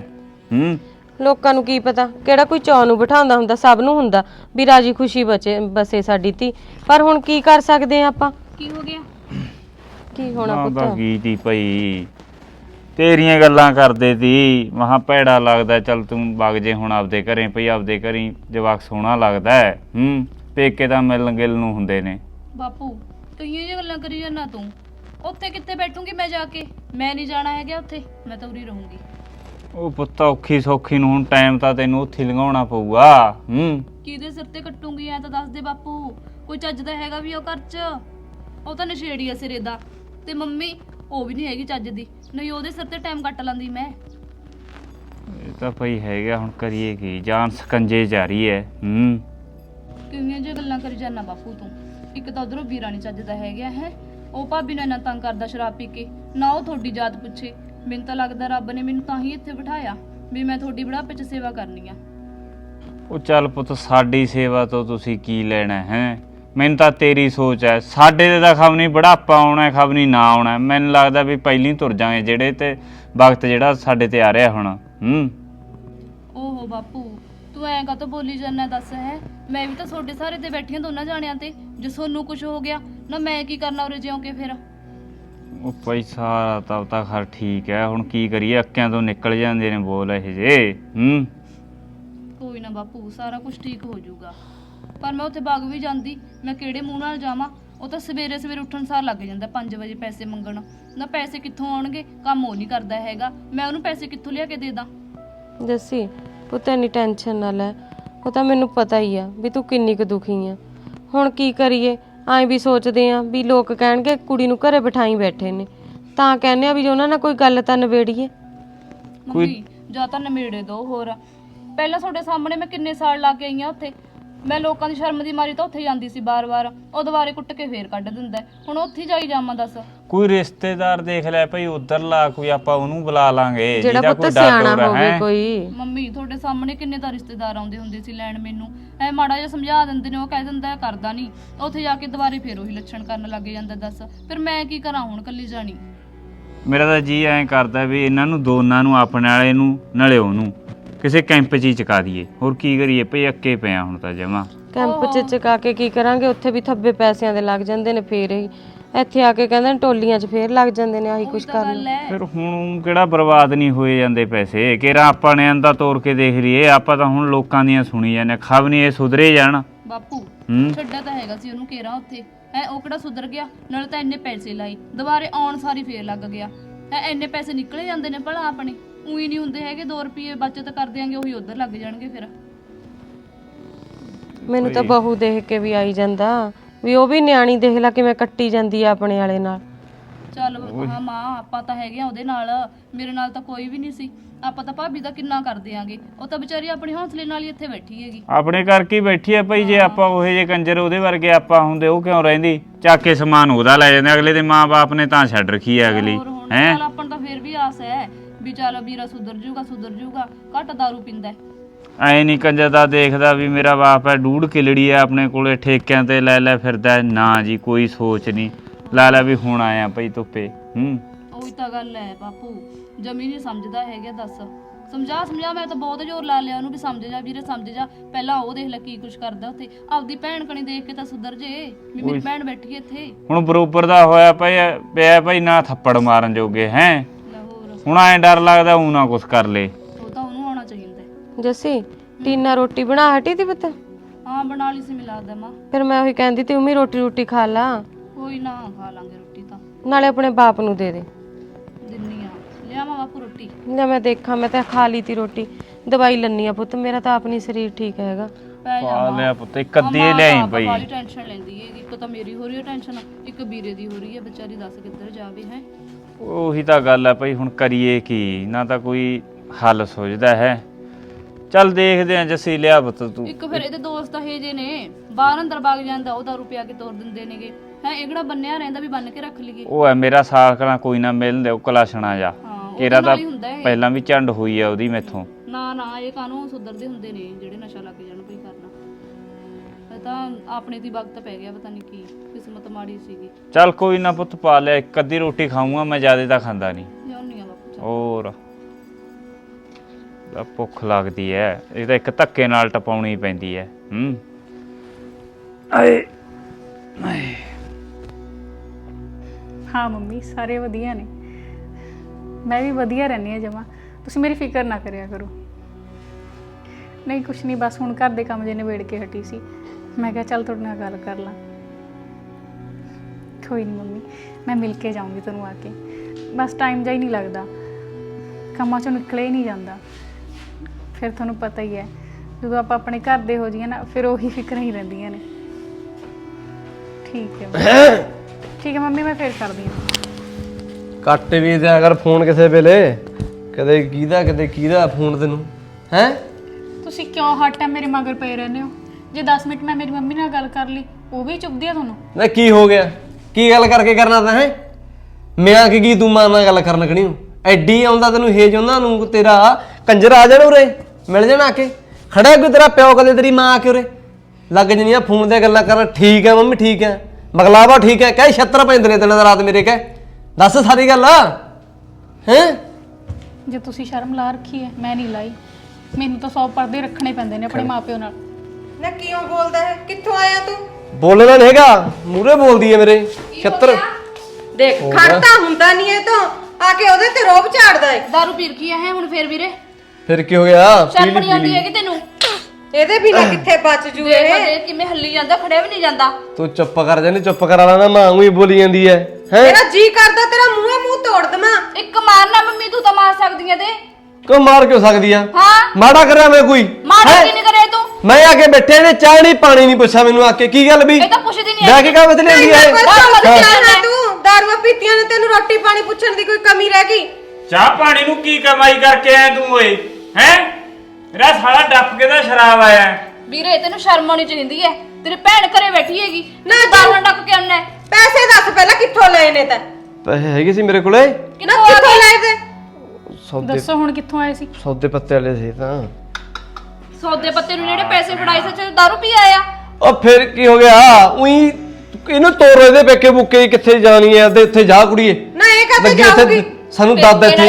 Speaker 4: ਲੋਕਾਂ ਨੂੰ ਕੀ ਪਤਾ ਕਿਹੜਾ ਕੋਈ ਚੌ ਨੂੰ ਬਿਠਾਉਂਦਾ ਹੁੰਦਾ ਸਭ ਨੂੰ ਹੁੰਦਾ ਵੀ ਰਾਜੀ ਖੁਸ਼ੀ ਬਸੇ ਸਾਡੀ ਧੀ ਪਰ ਹੁਣ ਕੀ ਕਰ ਸਕਦੇ ਆ ਆਪਾਂ।
Speaker 1: ਕੀ ਹੋ ਗਿਆ?
Speaker 4: ਕੀ ਹੋਣਾ
Speaker 5: ਤਾਂ
Speaker 4: ਪੁੱਤ
Speaker 5: ਕੀ ਤੀ ਪਈ ਤੇਰੀਆਂ ਗੱਲਾਂ ਕਰਦੇ ਤੀ ਮਹਾ ਭੈੜਾ ਲੱਗਦਾ ਚੱਲ ਤੂੰ ਵਗ ਜੇ ਹੁਣ ਆਪਦੇ ਘਰੇ ਪਈ ਆਪਦੇ ਘਰੀ ਜਵਾਕ ਸੋਹਣਾ ਲੱਗਦਾ ਪੇਕੇ ਤਾਂ ਮਿਲਣ ਗਿਲ ਨੂੰ ਹੁੰਦੇ ਨੇ।
Speaker 3: ਬਾਪੂ ਤੂੰ ਇਹ ਗੱਲਾਂ ਕਰੀ ਜਾਂਦਾ ਤੂੰ ਉੱਥੇ ਕਿੱਥੇ ਬੈਠੂਗੀ ਮੈਂ ਜਾ ਕੇ ਮੈਂ ਨਹੀਂ ਜਾਣਾ ਹੈਗਾ ਉੱਥੇ ਮੈਂ ਤਾਂ ਉਰੀ ਰਹੂੰਗੀ।
Speaker 5: ਉਹ ਪੁੱਤ ਔਖੀ ਸੌਖੀ ਨੂੰ ਹੁਣ ਟਾਈਮ ਤਾਂ ਤੈਨੂੰ ਉੱਥੇ ਲੰਘਾਉਣਾ ਪਊਗਾ।
Speaker 3: ਕਿਹਦੇ ਸਿਰ ਤੇ ਕੱਟੂਗੀ ਐ ਤਾਂ ਦੱਸ ਦੇ ਬਾਪੂ ਕੋਈ ਚੱਜ ਦਾ ਹੈਗਾ ਵੀ ਉਹ ਘਰ 'ਚ ਉਹ ਤਾਂ ਨਸ਼ੇੜੀ ਆ ਸਿਰੇ ਦਾ ਤੇ ਮੰਮੀ ਉਹ ਵੀ ਨਹੀਂ ਹੈਗੀ ਚੱਜ ਦੀ ਨਹੀਂ ਉਹਦੇ ਸਿਰ ਤੇ ਟਾਈਮ ਕੱਟ ਲੈਂਦੀ ਮੈਂ।
Speaker 5: ਇਹ ਤਾਂ ਪਈ ਹੈਗਾ ਹੁਣ ਕਰੀਏ ਕੀ ਜਾਨ ਸਕੰਜੇ ਜਾ ਰਹੀ ਐ।
Speaker 3: ਕਿੰਨੀਆਂ ਜੇ ਗੱਲਾਂ ਕਰੀ ਜਾਂਦਾ ਬਾਪੂ ਤੂੰ ਇੱਕ ਤਾਂ ਉਧਰੋਂ ਵੀਰਾ ਨਹੀਂ ਚੱਜ ਦਾ ਹੈਗਾ ਹੈ ਉਹ ਭਾਬੀ ਨੂੰ ਇੰਨਾ ਤੰਗ ਕਰਦਾ ਸ਼ਰਾਬ ਪੀ ਕੇ ਨਾ ਉਹ ਤੁਹਾਡੀ ਜਾਤ ਪੁੱਛੇ। ਮੈਨੂੰ ਤਾਂ ਲੱਗਦਾ ਰੱਬ ਨੇ ਮੈਨੂੰ ਤਾਂ ਹੀ ਇੱਥੇ ਬਿਠਾਇਆ ਵੀ ਮੈਂ ਤੁਹਾਡੀ ਬੁਢਾਪੇ 'ਚ ਸੇਵਾ ਕਰਨੀ ਆ।
Speaker 5: ਉਹ ਚੱਲ ਪੁੱਤ ਸਾਡੀ ਸੇਵਾ ਤੋਂ ਤੁਸੀਂ ਕੀ ਲੈਣਾ ਹੈ ਮੈਨੂੰ ਤਾਂ ਤੇਰੀ ਸੋਚ ਹੈ ਸਾਡੇ ਤੇ ਤਾਂ ਖਬ ਨਹੀਂ ਬੁਢਾਪਾ ਆਉਣਾ ਖਬ ਨਹੀਂ ਨਾ ਆਉਣਾ ਮੈਨੂੰ ਲੱਗਦਾ ਵੀ ਪਹਿਲਾਂ ਹੀ ਤੁਰ ਜਾਵਾਂਗੇ ਜਿਹੜੇ ਤੇ ਵਕਤ ਜਿਹੜਾ ਸਾਡੇ ਤੇ ਆ ਰਿਹਾ ਹੁਣ।
Speaker 3: ਓਹੋ ਬਾਪੂ ਤੂੰ ਐਂ ਕਾਹਤੋਂ ਬੋਲੀ ਜਾਂਦਾ ਦੱਸ ਹੈ ਮੈਂ ਵੀ ਤਾਂ ਤੁਹਾਡੇ ਸਾਰੇ ਤੇ ਬੈਠੀਆਂ ਦੋਨਾਂ ਜਾਣਿਆਂ ਤੇ ਜੇ ਸੋਨੂੰ ਕੁਝ ਹੋ ਗਿਆ ਨਾ ਮੈਂ ਕੀ ਕਰਨਾ ਉਰੇ ਜਿਉਂ ਕੇ ਫਿਰ।
Speaker 5: ਉਹ ਪੈਸਾ ਤਾਂ ਖਰ ਠੀਕ ਹੈ ਹੁਣ ਕੀ ਕਰੀਏ ਅੱਕਿਆਂ ਤੋਂ ਨਿਕਲ ਜਾਂਦੇ ਨੇ ਬੋਲ ਇਹ ਜੇ।
Speaker 3: ਕੋਈ ਨਾ ਬਾਪੂ ਸਾਰਾ ਕੁਝ ਠੀਕ ਹੋ ਜਾਊਗਾ ਪਰ ਮੈਂ ਉੱਥੇ ਵਗ ਵੀ ਜਾਂਦੀ ਮੈਂ ਕਿਹੜੇ ਮੂੰਹ ਨਾਲ ਜਾਵਾਂ ਉਹ ਤਾਂ ਸਵੇਰੇ ਸਵੇਰੇ ਉੱਠਣ ਸਾਰ ਲੱਗ ਜਾਂਦਾ 5 ਵਜੇ ਪੈਸੇ ਮੰਗਣ ਨਾ ਪੈਸੇ ਕਿੱਥੋਂ ਆਉਣਗੇ ਕੰਮ ਉਹ ਨਹੀਂ ਕਰਦਾ ਹੈਗਾ ਮੈਂ ਉਹਨੂੰ ਪੈਸੇ ਕਿੱਥੋਂ ਲਿਆ ਕੇ ਦੇ ਦਾਂ।
Speaker 4: ਜੱਸੀ ਪੁੱਤ ਇੰਨੀ ਟੈਨਸ਼ਨ ਨਾ ਲੈ ਉਹ ਤਾਂ ਮੈਨੂੰ ਪਤਾ ਹੀ ਆ ਵੀ ਤੂੰ ਕਿੰਨੀ ਕੁ ਦੁਖੀ ਆ। ਹੁਣ ਕੀ ਕਰੀਏ ਐਂ ਵੀ ਸੋਚਦੇ ਆ ਵੀ ਲੋਕ ਕਹਿਣਗੇ ਕੁੜੀ ਨੂੰ ਘਰੇ ਬਿਠਾਈ ਬੈਠੇ ਨੇ ਤਾਂ ਕਹਿੰਦੇ ਆ ਵੀ ਉਹਨਾਂ ਨਾਲ ਕੋਈ ਗੱਲ ਤਾਂ ਨਿਬੇੜੀਏ।
Speaker 3: ਮੰਮੀ ਜਾਂ ਤਾਂ ਨਿਮੇੜੇ ਦੋ ਹੋਰ। ਪਹਿਲਾਂ ਤੁਹਾਡੇ ਸਾਹਮਣੇ ਮੈਂ ਕਿੰਨੇ ਸਾਲ ਲਾ ਕੇ ਆਈ ਆ ਉੱਥੇ। ਮੈਂ ਲੋਕਾਂ ਦੀ ਸ਼ਰਮ ਦੀ ਮਾਰੀ ਤਾਂ ਉੱਥੇ ਜਾਂਦੀ ਸੀ ਬਾਰ-ਬਾਰ, ਉਹ ਦੁਬਾਰੇ ਕੁੱਟ ਕੇ ਫੇਰ ਕੱਢ ਦਿੰਦਾ। ਹੁਣ ਉੱਥੇ ਹੀ ਜਾਈ ਜਾਵਾਂ ਦੱਸ।
Speaker 5: ਕੋਈ ਰਿਸ਼ਤੇਦਾਰ ਦੇਖ ਲੈ ਭਾਈ ਉਧਰ ਲਾ, ਕੋਈ ਆਪਾਂ ਉਹਨੂੰ ਬੁਲਾ ਲਾਂਗੇ
Speaker 4: ਜਿਹੜਾ
Speaker 5: ਜਿਹਦਾ
Speaker 4: ਪੁੱਤ
Speaker 5: ਕੋਈ
Speaker 4: ਸਿਆਣਾ
Speaker 5: ਡਰ
Speaker 4: ਹੋਵੇ
Speaker 5: ਹੈ।
Speaker 4: ਕੋਈ।
Speaker 3: ਮੰਮੀ ਤੁਹਾਡੇ ਸਾਹਮਣੇ ਕਿੰਨੇ ਤਾਂ ਰਿਸ਼ਤੇਦਾਰ ਆਉਂਦੇ ਹੁੰਦੇ ਸੀ ਲੈਣ ਮੈਨੂੰ, ਐ ਮਾੜਾ ਜਿਹਾ ਸਮਝਾ ਦਿੰਦੇ ਨੇ, ਉਹ ਕਹਿ ਦਿੰਦਾ ਹੈ ਕਰਦਾ ਨਹੀਂ, ਉੱਥੇ ਜਾ ਕੇ ਦੁਬਾਰੇ ਫੇਰ ਉਹੀ ਲੱਛਣ ਕਰਨ ਲੱਗ ਜਾਂਦਾ। ਦੱਸ ਫਿਰ ਮੈਂ ਕੀ ਕਰਾਂ ਹੁਣ ਕੱਲੀ ਜਾਣੀ।
Speaker 5: ਮੇਰਾ ਤਾਂ ਜੀ ਐਂ ਕਰਦਾ ਵੀ ਇਹਨਾਂ ਨੂੰ ਦੋਨਾਂ ਨੂੰ, ਆਪਣੇ ਵਾਲੇ ਨੂੰ ਨਾਲੇ ਉਹਨੂੰ, ਕਿਸੇ ਕੈਂਪ 'ਚ ਹੀ ਚੁਕਾ ਦਈਏ। ਹੋਰ ਕੀ ਕਰੀਏ ਭਈ, ਅੱਕੇ ਪਿਆ ਹੁਣ ਤਾਂ ਜਮਾ।
Speaker 4: ਕੈਂਪ 'ਚ ਚੁਕਾ ਕੇ ਕੀ ਕਰਾਂਗੇ? ਉੱਥੇ ਵੀ ਥੱਬੇ ਪੈਸਿਆਂ ਦੇ ਲੱਗ ਜਾਂਦੇ ਨੇ, ਫੇਰ ਹੀ ਇੱਥੇ ਆ ਕੇ ਕਹਿੰਦੇ ਨੇ ਟੋਲੀਆਂ 'ਚ ਫੇਰ ਲੱਗ ਜਾਂਦੇ ਨੇ, ਆਹੀ ਕੁਝ ਕਰਨ।
Speaker 5: ਫਿਰ ਹੁਣ ਕਿਹੜਾ ਬਰਬਾਦ ਨਹੀਂ ਹੋਏ ਜਾਂਦੇ ਪੈਸੇ? ਕਿਹੜਾ ਆਪਾਂ ਨੇ ਅੰਦਾ ਤੋੜ ਕੇ ਦੇਖ ਲਈਏ? ਆਪਾਂ ਤਾਂ ਹੁਣ ਲੋਕਾਂ ਦੀਆਂ ਸੁਣੀ ਜਾਂਦੇ, ਖਬ ਨਹੀਂ ਇਹ ਸੁਧਰੇ ਜਾਣ।
Speaker 3: ਬਾਪੂ
Speaker 5: ਹੂੰ
Speaker 3: ਛੱਡਿਆ ਤਾਂ ਹੈਗਾ ਸੀ ਉਹਨੂੰ ਕੇਰਾ ਉੱਥੇ, ਹੈ ਉਹ ਕਿਹੜਾ ਸੁਧਰ ਗਿਆ? ਨਾਲੇ ਤਾਂ ਇੰਨੇ ਪੈਸੇ ਲਾਏ, ਦੁਬਾਰੇ ਆਉਣ ਸਾਰੀ ਫੇਰ ਲੱਗ ਗਿਆ। ਹੈ ਇੰਨੇ ਪੈਸੇ ਨਿਕਲੇ ਜਾਂਦੇ ਨੇ ਭਲਾ ਆਪਣੇ, ਉਹੀ ਨਹੀਂ ਹੁੰਦੇ ਹੈਗੇ। 2 ਰੁਪਏ ਬਚਤ ਕਰ ਦਿਆਂਗੇ, ਉਹੀ ਉਧਰ ਲੱਗ ਜਾਣਗੇ ਫਿਰ।
Speaker 4: ਮੈਨੂੰ ਤਾਂ ਬਹੂ ਦੇਖ ਕੇ ਵੀ ਆਈ ਜਾਂਦਾ ਵੀ ਉਹ ਵੀ ਨਿਆਣੀ ਦੇਖ ਲਾ ਕਿਵੇਂ ਕੱਟੀ ਜਾਂਦੀ ਆ ਆਪਣੇ ਵਾਲੇ ਨਾਲ।
Speaker 3: ਚੱਲ ਹਾਂ ਮਾਂ, ਆਪਾਂ ਤਾਂ ਹੈਗੇ ਆ ਉਹਦੇ ਨਾਲ, ਮੇਰੇ ਨਾਲ ਤਾਂ ਕੋਈ ਵੀ ਨਹੀਂ ਸੀ। ਆਪਾਂ ਤਾਂ ਭਾਬੀ ਦਾ ਕਿੰਨਾ ਕਰ ਦਿਆਂਗੇ, ਉਹ ਤਾਂ ਵਿਚਾਰੀ ਆਪਣੇ ਹੌਸਲੇ ਨਾਲ ਹੀ ਇੱਥੇ ਬੈਠੀ ਹੈਗੀ।
Speaker 5: ਆਪਣੇ ਕਰਕੇ ਹੀ ਬੈਠੀ ਆ ਭਾਈ। ਜੇ ਆਪਾਂ ਉਹੇ ਜੇ ਕੰਜਰ ਉਹਦੇ ਵਰਗੇ ਆਪਾਂ ਹੁੰਦੇ, ਉਹ ਕਿਉਂ ਰਹਿੰਦੀ? ਚੱਕ ਕੇ ਸਮਾਨ ਉਹਦਾ ਲੈ ਜਾਂਦੇ, ਅਗਲੇ ਦੇ ਮਾਂ-ਬਾਪ ਨੇ ਤਾਂ ਛੱਡ ਰੱਖੀ ਹੈ ਅਗਲੀ। ਹੈ
Speaker 3: ਚੱਲ ਆਪਾਂ ਨੂੰ ਤਾਂ ਫੇਰ ਵੀ ਆਸ ਹੈ ਵੀ ਚੱਲ ਵੀਰਾ ਸੁਧਰ ਜੂਗਾ। ਘੱਟ ਦਾਰੂ ਪੀਂਦਾ।
Speaker 5: ਐ ਨਹੀਂ ਕੰਜਰ ਦਾ ਦੇਖਦਾ ਵੀ ਮੇਰਾ ਬਾਪ ਹੈ, 2.5 ਕਿਲੜੀ ਹੈ ਆਪਣੇ ਕੋਲੇ, ਠੇਕਿਆਂ ਤੇ ਲੈ ਫਿਰਦਾ। ਨਾ ਜੀ, ਕੋਈ ਸੋਚ ਨਹੀਂ। ਲੈ ਵੀ ਹੁਣ ਆਇਆ ਭਾਈ ਧੁੱਪੇ।
Speaker 3: ਉਹੀ ਤਾਂ ਗੱਲ ਹੈ ਬਾਪੂ, ਜਮੀ ਨਹੀਂ ਸਮਝਦਾ ਹੈਗਾ। ਦੱਸ ਸਮਝਾ ਮੈਂ ਤਾਂ ਬਹੁਤ ਜ਼ੋਰ ਲਾ ਲਿਆ ਉਹਨੂੰ ਵੀ ਸਮਝ ਜਾ ਵੀਰੇ, ਸਮਝ ਜਾ। ਪਹਿਲਾਂ ਉਹ ਦੇਖ ਲੈ ਕੀ ਕੁਛ ਕਰਦਾ ਉੱਥੇ, ਆਪਦੀ ਭੈਣ ਕਣੀ ਦੇਖ ਕੇ ਤਾਂ ਸੁਧਰ ਜੇ ਵੀ ਮੇਰੀ ਭੈਣ ਬੈਠੀ ਇੱਥੇ।
Speaker 5: ਹੁਣ ਬਰੋਬਰ ਦਾ ਹੋਇਆ ਪਿਆ ਭਾਈ, ਨਾ ਥੱਪੜ ਮਾਰਨ ਜੋਗੇ ਹੈ।
Speaker 3: ਲਾਹੌਰ
Speaker 5: ਹੁਣ ਐਂ ਡਰ ਲੱਗਦਾ ਉਹ ਨਾ ਕੁਛ ਕਰ ਲੇ।
Speaker 3: ਉਹ ਤਾਂ ਉਹਨੂੰ ਆਉਣਾ ਚਾਹੀਦਾ।
Speaker 4: ਜੱਸੀ ਟੀਨਾ ਰੋਟੀ ਬਣਾ ਹਟੀ ਤੀ ਪੁੱਤ?
Speaker 3: ਹਾਂ ਬਣਾ ਲਈ ਸੀ ਮਿਲਾਦਾ ਮਾਂ।
Speaker 4: ਫਿਰ ਮੈਂ ਉਹੀ ਕਹਿੰਦੀ ਤੀ ਉਮੀ ਰੋਟੀ ਖਾ ਲਾ,
Speaker 3: ਕੋਈ ਨਾ ਖਾ ਲਾਂਗੇ ਰੋਟੀ ਤਾਂ।
Speaker 4: ਨਾਲੇ ਆਪਣੇ ਬਾਪ ਨੂੰ ਦੇ ਦੇ।
Speaker 3: ਦਿੰਨੀ ਆ, ਲਿਆਵਾਂ ਬਾਪੂ ਰੋਟੀ?
Speaker 4: ਲੈ ਮੈਂ ਦੇਖਾਂ, ਮੈਂ ਤਾਂ ਖਾ ਲਈ ਤੀ ਰੋਟੀ, ਦਵਾਈ ਲੰਨੀ ਆ ਪੁੱਤ, ਮੇਰਾ ਤਾਂ ਆਪਣੀ ਸਰੀਰ ਠੀਕ ਹੈਗਾ।
Speaker 3: ਪੈ ਜਾ
Speaker 5: ਪਾ
Speaker 3: ਮਾਂ।
Speaker 5: ਲਿਆ ਪੁੱਤ, ਇੱਕ ਅੱਧੀ ਲਿਆਈ ਭਾਈ।
Speaker 3: ਬਾਲੀ ਟੈਨਸ਼ਨ ਲੈਂਦੀ ਹੈ, ਇੱਕ ਤਾਂ ਮੇਰੀ ਹੋ ਰਹੀ ਹੈ ਟੈਨਸ਼ਨ, ਇੱਕ ਵੀਰੇ ਦੀ ਹੋ ਰਹੀ ਹੈ। ਵਿਚਾਰੀ ਦੱਸ ਕਿੱਧਰ ਜਾਵੇ। ਹੈ
Speaker 5: ਉਹੀ ਤਾਂ ਗੱਲ ਹੈ ਭਾਈ, ਹੁਣ ਕਰੀਏ ਕੀ? ਨਾ ਤਾਂ ਕੋਈ ਹੱਲ ਸੁਝਦਾ ਹੈ। ਚੱਲ ਦੇਖਦੇ ਆਂ ਜੱਸੀ, ਲਿਆ ਪੁੱਤ ਤੂੰ।
Speaker 3: ਇੱਕ ਫਿਰ ਇਹਦੇ ਦੋਸਤ ਇਹ ਜੇ ਨੇ, ਬਾਹਰ ਅੰਦਰ ਵਗ ਜਾਂਦਾ, ਉਹ ਦਾਰੂ ਪਿਆ ਕੇ ਤੋਰ ਦਿੰਦੇ ਨੇਗੇ। ਹੈ ਇਹ ਕਿਹੜਾ ਬੰਨਿਆ ਰਹਿੰਦਾ ਵੀ ਬੰਨ ਕੇ ਰੱਖ ਲਈਏ।
Speaker 5: ਉਹ ਹੈ ਮੇਰਾ ਸਾਥ ਕਰਾਂ, ਕੋਈ ਨਾ ਮਿਲਦੇ ਉਹ ਕਲਾਸ਼ਣਾ ਜਾ।
Speaker 3: ਹਾਂ
Speaker 5: ਇਹਦਾ
Speaker 3: ਉਹਦੇ
Speaker 5: ਤਾਂ
Speaker 3: ਨਾਲ ਹੀ ਹੁੰਦਾ ਇਹ।
Speaker 5: ਪਹਿਲਾਂ ਵੀ ਝੰਡ ਹੋਈ ਆ ਉਹਦੀ ਮੈਥੋਂ।
Speaker 3: ਨਾ ਇਹ ਕਾਹਨੂੰ ਸੁਧਰਦੇ ਹੁੰਦੇ ਨੇ ਜਿਹੜੇ ਨਸ਼ਾ ਲੱਗ ਜਾਣ ਕੋਈ ਕਰਨਾ। ਇਹ ਤਾਂ ਆਪਣੇ ਦੀ ਵਕਤ ਪੈ ਗਿਆ, ਪਤਾ ਨਹੀਂ ਕੀ ਕਿਸਮਤ ਮਾੜੀ ਸੀਗੀ।
Speaker 5: ਚੱਲ ਕੋਈ ਨਾ ਪੁੱਤ, ਪਾ ਲਿਆ। ਇੱਕ ਅੱਧੀ ਰੋਟੀ ਖਾਊਂਗਾ ਮੈਂ, ਜ਼ਿਆਦਾ ਤਾਂ ਖਾਂਦਾ ਨਹੀਂ।
Speaker 3: ਲਿਆਉਣੀ ਆ ਬਾਪੂ ਚੱਲ।
Speaker 5: ਹੋਰ ਭੁੱਖ ਲੱਗਦੀ ਐ, ਇਹ ਤਾਂ ਇੱਕ ਧੱਕੇ ਨਾਲ ਟਪਾਉਣੀ ਪੈਂਦੀ ਐ।
Speaker 1: ਹਾਂ ਮੰਮੀ, ਸਾਰੇ ਵਧੀਆ ਨੇ, ਮੈਂ ਵੀ ਵਧੀਆ ਰਹਿੰਦੀ ਹਾਂ ਜਮਾਂ। ਤੁਸੀਂ ਮੇਰੀ ਫਿਕਰ ਨਾ ਕਰਿਆ ਕਰੋ। ਨਹੀਂ ਕੁਛ ਨਹੀਂ, ਬਸ ਹੁਣ ਘਰ ਦੇ ਕੰਮ ਜੇ ਨਿਬੇੜ ਕੇ ਹਟੀ ਸੀ, ਮੈਂ ਕਿਹਾ ਚੱਲ ਤੁਹਾਡੇ ਨਾਲ ਗੱਲ ਕਰ ਲਾਂ। ਕੋਈ ਨਹੀਂ ਮੰਮੀ, ਮੈਂ ਮਿਲ ਕੇ ਜਾਊਂਗੀ ਤੁਹਾਨੂੰ ਆ ਕੇ। ਬਸ ਟਾਈਮ ਜਿਹਾ ਹੀ ਨਹੀਂ ਲੱਗਦਾ, ਕੰਮਾਂ 'ਚੋਂ ਨਿਕਲਿਆ ਹੀ ਨਹੀਂ ਜਾਂਦਾ। ਫਿਰ ਤੁਹਾਨੂੰ ਪਤਾ ਹੀ ਹੈ, ਜਦੋਂ ਆਪਾਂ ਆਪਣੇ ਘਰ ਦੇ ਹੋ ਜਾਈਏ ਨਾ, ਫਿਰ ਉਹੀ ਫਿਕਰਾਂ ਹੀ ਰਹਿੰਦੀਆਂ ਨੇ। ਠੀਕ ਹੈ ਮੰਮੀ, ਮੈਂ ਫਿਰ ਕਰਦੀ ਹਾਂ।
Speaker 2: ਕੱਟ ਵੀ ਦਿਆ ਕਰ ਫੋਨ ਕਿਸੇ ਵੇਲੇ, ਕਦੇ ਕਿਹਦਾ ਫੋਨ ਤੈਨੂੰ ਹੈ।
Speaker 1: ਤੁਸੀਂ ਕਿਉਂ ਹਰ ਟਾਈਮ ਮੇਰੇ ਮਗਰ ਪਏ ਰਹਿੰਦੇ ਹੋ? ਜੇ 10 ਮਿੰਟ ਮੈਂ ਮੇਰੀ ਮੰਮੀ ਨਾਲ ਗੱਲ ਕਰ ਲਈ, ਉਹ ਵੀ ਚੁੱਭਦੀ ਆ ਤੁਹਾਨੂੰ?
Speaker 2: ਨਾ ਕੀ ਹੋ ਗਿਆ? ਕੀ ਗੱਲ ਕਰਕੇ ਕਰਨਾ ਤਾਂ ਹੈ? ਮੈਂ ਆ ਕੇ ਕੀ ਤੂੰ ਮਾਂ ਨਾਲ ਗੱਲ ਕਰਨ ਲੱਗਣੀ? ਐਡੀ ਆਉਂਦਾ ਤੈਨੂੰ ਹੇਜ ਉਹਨਾਂ ਨੂੰ, ਤੇਰਾ ਕੰਜਰ ਆ ਜਾਣ ਉਰੇ, ਮਿਲ ਜਾਣ ਆ ਕੇ। ਖੜਾ ਕੋਈ ਤੇਰਾ ਪਿਓ, ਕਦੇ ਤੇਰੀ ਮਾਂ ਆ ਕੇ ਉਰੇ ਲੱਗ ਜਣੀਆਂ ਫੋਨ ਤੇ ਗੱਲਾਂ ਕਰਨ। ਠੀਕ ਹੈ ਮੰਮੀ, ਠੀਕ ਹੈ, ਮਗਲਾਵਾ ਠੀਕ ਹੈ, ਕਹਿ 76 ਪੈਂਦੇ ਨੇ ਦਿਨ ਰਾਤ ਮੇਰੇ, ਕਹਿ ਦੱਸ ਸਾਰੀ ਗੱਲ ਹੈ।
Speaker 1: ਜੇ ਤੁਸੀਂ ਸ਼ਰਮ ਲਾ ਰੱਖੀ ਹੈ, ਮੈਂ ਨਹੀਂ ਲਾਈ। ਮੈਨੂੰ ਤਾਂ 100 ਪਰਦੇ ਰੱਖਣੇ ਪੈਂਦੇ ਨੇ ਆਪਣੇ ਮਾਪਿਓ ਨਾਲ।
Speaker 4: ਨਾ ਕਿਉਂ ਬੋਲਦਾ ਹੈ? ਕਿੱਥੋਂ ਆਇਆ ਤੂੰ?
Speaker 2: ਬੋਲਣਾ ਨਹੀਂ ਹੈਗਾ, ਮੂਹਰੇ ਬੋਲਦੀ ਹੈ ਮੇਰੇ। 76
Speaker 4: ਦੇਖ ਖੜਤਾ ਹੁੰਦਾ ਨਹੀਂ ਇਹ ਤਾਂ, ਆ ਕੇ ਉਹਦੇ ਤੇ ਰੋਬ ਝਾੜਦਾ ਏ।
Speaker 3: ਦਾਰੂ ਪੀ ਰਖੀ ਹੈ ਹੁਣ ਫੇਰ ਵੀਰੇ?
Speaker 2: ਫਿਰ ਕੀ ਹੋ ਗਿਆ?
Speaker 3: ਸ਼ਰਮ ਨਹੀਂ ਆਉਂਦੀ ਹੈਗੀ ਤੈਨੂੰ?
Speaker 4: ਇਹਦੇ ਬਿਨਾ ਕਿੱਥੇ ਬਚ ਜੂ ਇਹ?
Speaker 3: ਦੇਖ ਕਿਵੇਂ ਹੱਲੀ ਜਾਂਦਾ, ਖੜਿਆ ਵੀ ਨਹੀਂ ਜਾਂਦਾ।
Speaker 2: ਤੂੰ ਚੁੱਪ ਕਰ ਜਾ, ਨਹੀਂ ਚੁੱਪ ਕਰਾ ਲੈਣਾ, ਮਾਂ ਹੀ ਬੋਲੀ ਜਾਂਦੀ ਹੈ।
Speaker 4: ਮੇਰਾ ਜੀ ਕਰਦਾ ਤੇਰਾ ਮੂੰਹ ਤੋੜ ਦਵਾਂ।
Speaker 3: ਇੱਕ ਮਾਰਨਾ ਮੰਮੀ, ਤੂੰ ਤਾਂ ਮਾਰ ਸਕਦੀ ਐ ਤੇ।
Speaker 2: ਕਿਉਂ ਮਾਰ ਕਿਉਂ ਸਕਦੀ ਆ?
Speaker 3: ਹਾਂ
Speaker 2: ਮਾੜਾ ਕਰਿਆ ਮੈਂ ਕੋਈ?
Speaker 3: ਮਾਰ ਕੀ ਨਹੀਂ ਕਰਿਆ ਤੂੰ?
Speaker 2: ਮੈਂ ਆ ਕੇ ਬੈਠੇ ਨੇ, ਚਾਹ ਨਹੀਂ ਪਾਣੀ ਨਹੀਂ ਪੁੱਛਿਆ ਮੈਨੂੰ ਆ ਕੇ। ਕੀ ਗੱਲ ਵੀ
Speaker 3: ਇਹ ਤਾਂ ਪੁੱਛਦੀ ਨਹੀਂ
Speaker 2: ਲੈ ਕੇ ਕਾਹ ਬਦਲੇ ਆਂਦੀ ਹੈ?
Speaker 4: ਤੂੰ ਦਾਰੂਆਂ ਪੀਤੀਆਂ ਨੇ, ਤੈਨੂੰ ਰੋਟੀ ਪਾਣੀ ਪੁੱਛਣ ਦੀ ਕੋਈ ਕਮੀ ਰਹਿ ਗਈ?
Speaker 5: ਚਾਹ ਪਾਣੀ ਨੂੰ ਕੀ ਕਮਾਈ ਕਰਕੇ ਆਇਆ ਤੂੰ ਓਏ ਹੈ ਮੇਰਾ ਸਾਲਾ ਡੱਫ ਕੇ ਦਾ ਸ਼ਰਾਬ ਆਇਆ
Speaker 3: ਵੀਰੇ ਤੈਨੂੰ ਸ਼ਰਮ ਆਉਣੀ ਚਾਹੀਦੀ ਹੈ ਤੇਰੀ ਭੈਣ ਘਰੇ ਬੈਠੀ ਹੈਗੀ
Speaker 4: ਨਾ
Speaker 3: ਤੂੰ ਬਾਹਰੋਂ ਡੱਕ ਕੇ ਆਉਣਾ
Speaker 4: ਪੈਸੇ ਦੱਸ ਪਹਿਲਾਂ ਕਿੱਥੋਂ ਲਏ ਨੇ ਤਾਂ
Speaker 2: ਪੈਸੇ ਹੈਗੇ ਸੀ ਮੇਰੇ ਕੋਲੇ
Speaker 4: ਨਾ ਕਿੱਥੋਂ ਲਏ ਤੇ
Speaker 2: ਸੌਦੇ
Speaker 1: ਦੱਸੋ ਹੁਣ ਕਿੱਥੋਂ ਆਏ ਸੀ?
Speaker 2: ਸੌਦੇ ਪੱਤੇ ਵਾਲੇ ਸੀ ਤਾਂ
Speaker 3: ਸੌਦੇ ਪੱਤੇ ਨੂੰ ਜਿਹੜੇ ਪੈਸੇ ਫੜਾਏ ਸੱਚ ਦਾਰੂ ਪੀ ਆਇਆ
Speaker 2: ਉਹ ਫਿਰ ਕੀ ਹੋ ਗਿਆ ਉਹੀ ਇਹਨੂੰ ਤੋਰ ਇਹਦੇ ਪੇਕੇ ਬੁੱਕੇ ਕਿੱਥੇ ਜਾਣੀ ਐ ਤੇ ਉੱਥੇ ਜਾ ਕੁੜੀਏ
Speaker 4: ਨਾ ਇਹ ਕਾਹਤੇ
Speaker 2: ਲੱਗੇ ਇੱਥੇ
Speaker 4: ਜਾਊਗੀ
Speaker 2: ਸਾਨੂੰ ਦਾਦਾ ਇੱਥੇ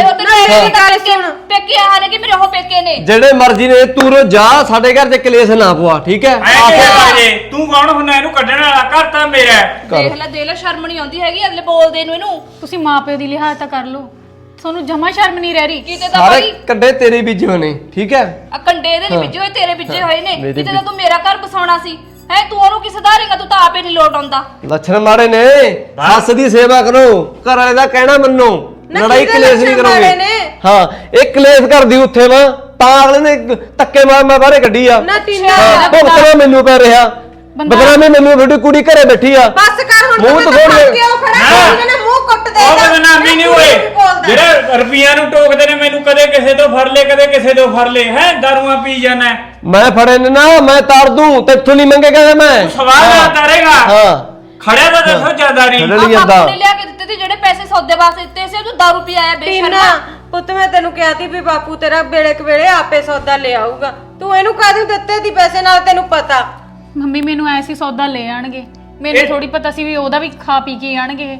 Speaker 3: ਪੇਕੇ ਆ ਨੇ ਕਿ ਮੇਰੇ ਉਹ ਪੇਕੇ ਨੇ
Speaker 2: ਜਿਹੜੇ ਮਰਜ਼ੀ ਨੇ ਤੂੰ ਰੋ ਜਾ ਸਾਡੇ ਘਰ ਤੇ ਕਲੇਸ਼ ਨਾ ਪਵਾ ਠੀਕ ਹੈ
Speaker 5: ਤੂੰ ਕੌਣ ਹੁੰਨਾ ਇਹਨੂੰ ਕੱਢਣ ਵਾਲਾ ਘਰ ਤਾਂ ਮੇਰਾ ਹੈ।
Speaker 3: ਦੇਖ ਲੈ ਸ਼ਰਮ ਨਹੀਂ ਆਉਂਦੀ ਹੈਗੀ ਅਗਲੇ ਬੋਲਦੇ ਨੂੰ ਇਹਨੂੰ
Speaker 1: ਤੁਸੀਂ ਮਾਪਿਓ ਦੀ ਲਿਹਾਜ਼ ਤਾਂ ਕਰ ਲਓ ਤੁਹਾਨੂੰ ਜਮਾ ਸ਼ਰਮ ਨਹੀਂ ਰਹਿ ਰਹੀ
Speaker 3: ਕਿਤੇ ਤਾਂ
Speaker 2: ਸਾਰੇ
Speaker 3: ਭਾਈ
Speaker 2: ਕੱਡੇ ਤੇਰੇ ਬੀਜੇ ਹੋਏ ਨੇ ਠੀਕ ਹੈ
Speaker 3: ਆ ਕੰਡੇ ਦੇ ਨਹੀਂ ਬੀਜੇ ਹੋਏ ਤੇਰੇ ਬੀਜੇ ਹੋਏ ਨੇ
Speaker 2: ਮੇਰੇ
Speaker 3: ਕਿਤੇ ਤਾਂ ਤੂੰ ਮੇਰਾ ਘਰ ਬਸਾਉਣਾ ਸੀ ਹੈ ਤੂੰ ਉਹਨੂੰ ਕੀ ਸੁਧਾਰੇਗਾ ਤੂੰ ਤਾਂ ਆਪੇ ਨਹੀਂ ਲੋਟ ਆਉਂਦਾ
Speaker 2: ਲੱਛਣ ਮਾੜੇ ਨੇ ਸੱਸ ਦੀ ਸੇਵਾ ਕਰੋ ਘਰ ਵਾਲੇ ਦਾ ਕਹਿਣਾ ਮੰਨੋ ਲੜਾਈ ਕਲੇਸ਼ ਨਹੀਂ ਕਰੋਗੇ ਹਾਂ ਇਹ ਕਲੇਸ਼ ਕਰਦੀ ਉੱਥੇ ਵਾ ਤਾਂ ਅਗਲੇ ਨੇ ਧੱਕੇ ਮਾਰ ਮੈਂ ਬਾਹਰੇ ਕੱਢੀ ਆ
Speaker 4: ਨਾ ਤੀਨਾ
Speaker 2: ਭੁਗਤਣਾ ਮੈਨੂੰ ਪੈ ਰਿਹਾ ਬਦਨਾਮੀ ਮੈਨੂੰ ਤੁਹਾਡੀ ਕੁੜੀ ਘਰੇ ਬੈਠੀ ਆ
Speaker 4: ਬਸ ਕਰ ਹੁਣ
Speaker 2: ਮੂੰਹ
Speaker 4: ਤੂੰ
Speaker 2: ਦਿਖਾਉਣ
Speaker 4: ਤਾਂ ਕਿਉਂ ਖੜਾ ਇਹਨਾਂ ਨੇ ਮੂੰਹ ਕੁੱਟ ਦੇ
Speaker 5: ਉਹ ਬਦਨਾਮੀ ਨਹੀਂ ਹੋਏ ਜਿਹੜੇ ਰੁਪਈਆਂ ਨੂੰ ਟੋਕਦੇ ਨੇ ਮੈਨੂੰ ਕਦੇ ਕਿਸੇ ਤੋਂ ਫੜ ਲੈ ਕਦੇ ਕਿਸੇ ਤੋਂ ਫੜ ਲੈ ਹੈ ਦਾਰੂਆਂ ਪੀ ਜਾਣਾ
Speaker 2: ਮੈਂ ਫੜੇ ਨੇ ਨਾ ਮੈਂ ਤਾਰ ਦੂੰ ਤੈਥੋਂ ਨਹੀਂ ਮੰਗੇਗਾ ਮੈਂ
Speaker 5: ਸਵਾਲ ਨਾ ਤਾਰੇਗਾ
Speaker 2: ਹਾਂ
Speaker 5: ਖੜਿਆ ਤਾਂ ਦੱਸੋ ਜ਼ਿਆਦਾਰੀ
Speaker 2: ਖੜਨ ਜਾਂਦਾ
Speaker 3: ਬਾਪੂ ਨੇ ਲਿਆ ਕੇ ਦਿੱਤੇ ਤੇ ਜਿਹੜੇ ਪੈਸੇ ਸੌਦੇ ਵਾਸਤੇ ਦਿੱਤੇ ਸੀ ਤੂੰ ਦਾਰੂ ਪੀ ਆਇਆ
Speaker 4: ਤੀਨਾ
Speaker 3: ਬੇਸ਼ਰਮ
Speaker 4: ਪੁੱਤ ਮੈਂ ਤੈਨੂੰ ਕਿਹਾ ਸੀ ਵੀ ਬਾਪੂ ਤੇਰਾ ਵੇਲੇ ਕਵੇਲੇ ਆਪੇ ਸੌਦਾ ਲੈ ਆਊਗਾ ਤੂੰ ਇਹਨੂੰ ਕਾਹਦੇ ਦਿੱਤੇ ਦੀ ਪੈਸੇ ਨਾਲ ਤੈਨੂੰ ਪਤਾ
Speaker 1: ਮੰਮੀ ਮੈਨੂੰ ਐ ਸੀ ਸੌਦਾ ਲੈ ਆਣਗੇ ਮੈਨੂੰ ਥੋੜੀ ਪਤਾ ਸੀ ਵੀ ਉਹਦਾ ਵੀ ਖਾ ਪੀ ਕੇ ਆਣਗੇ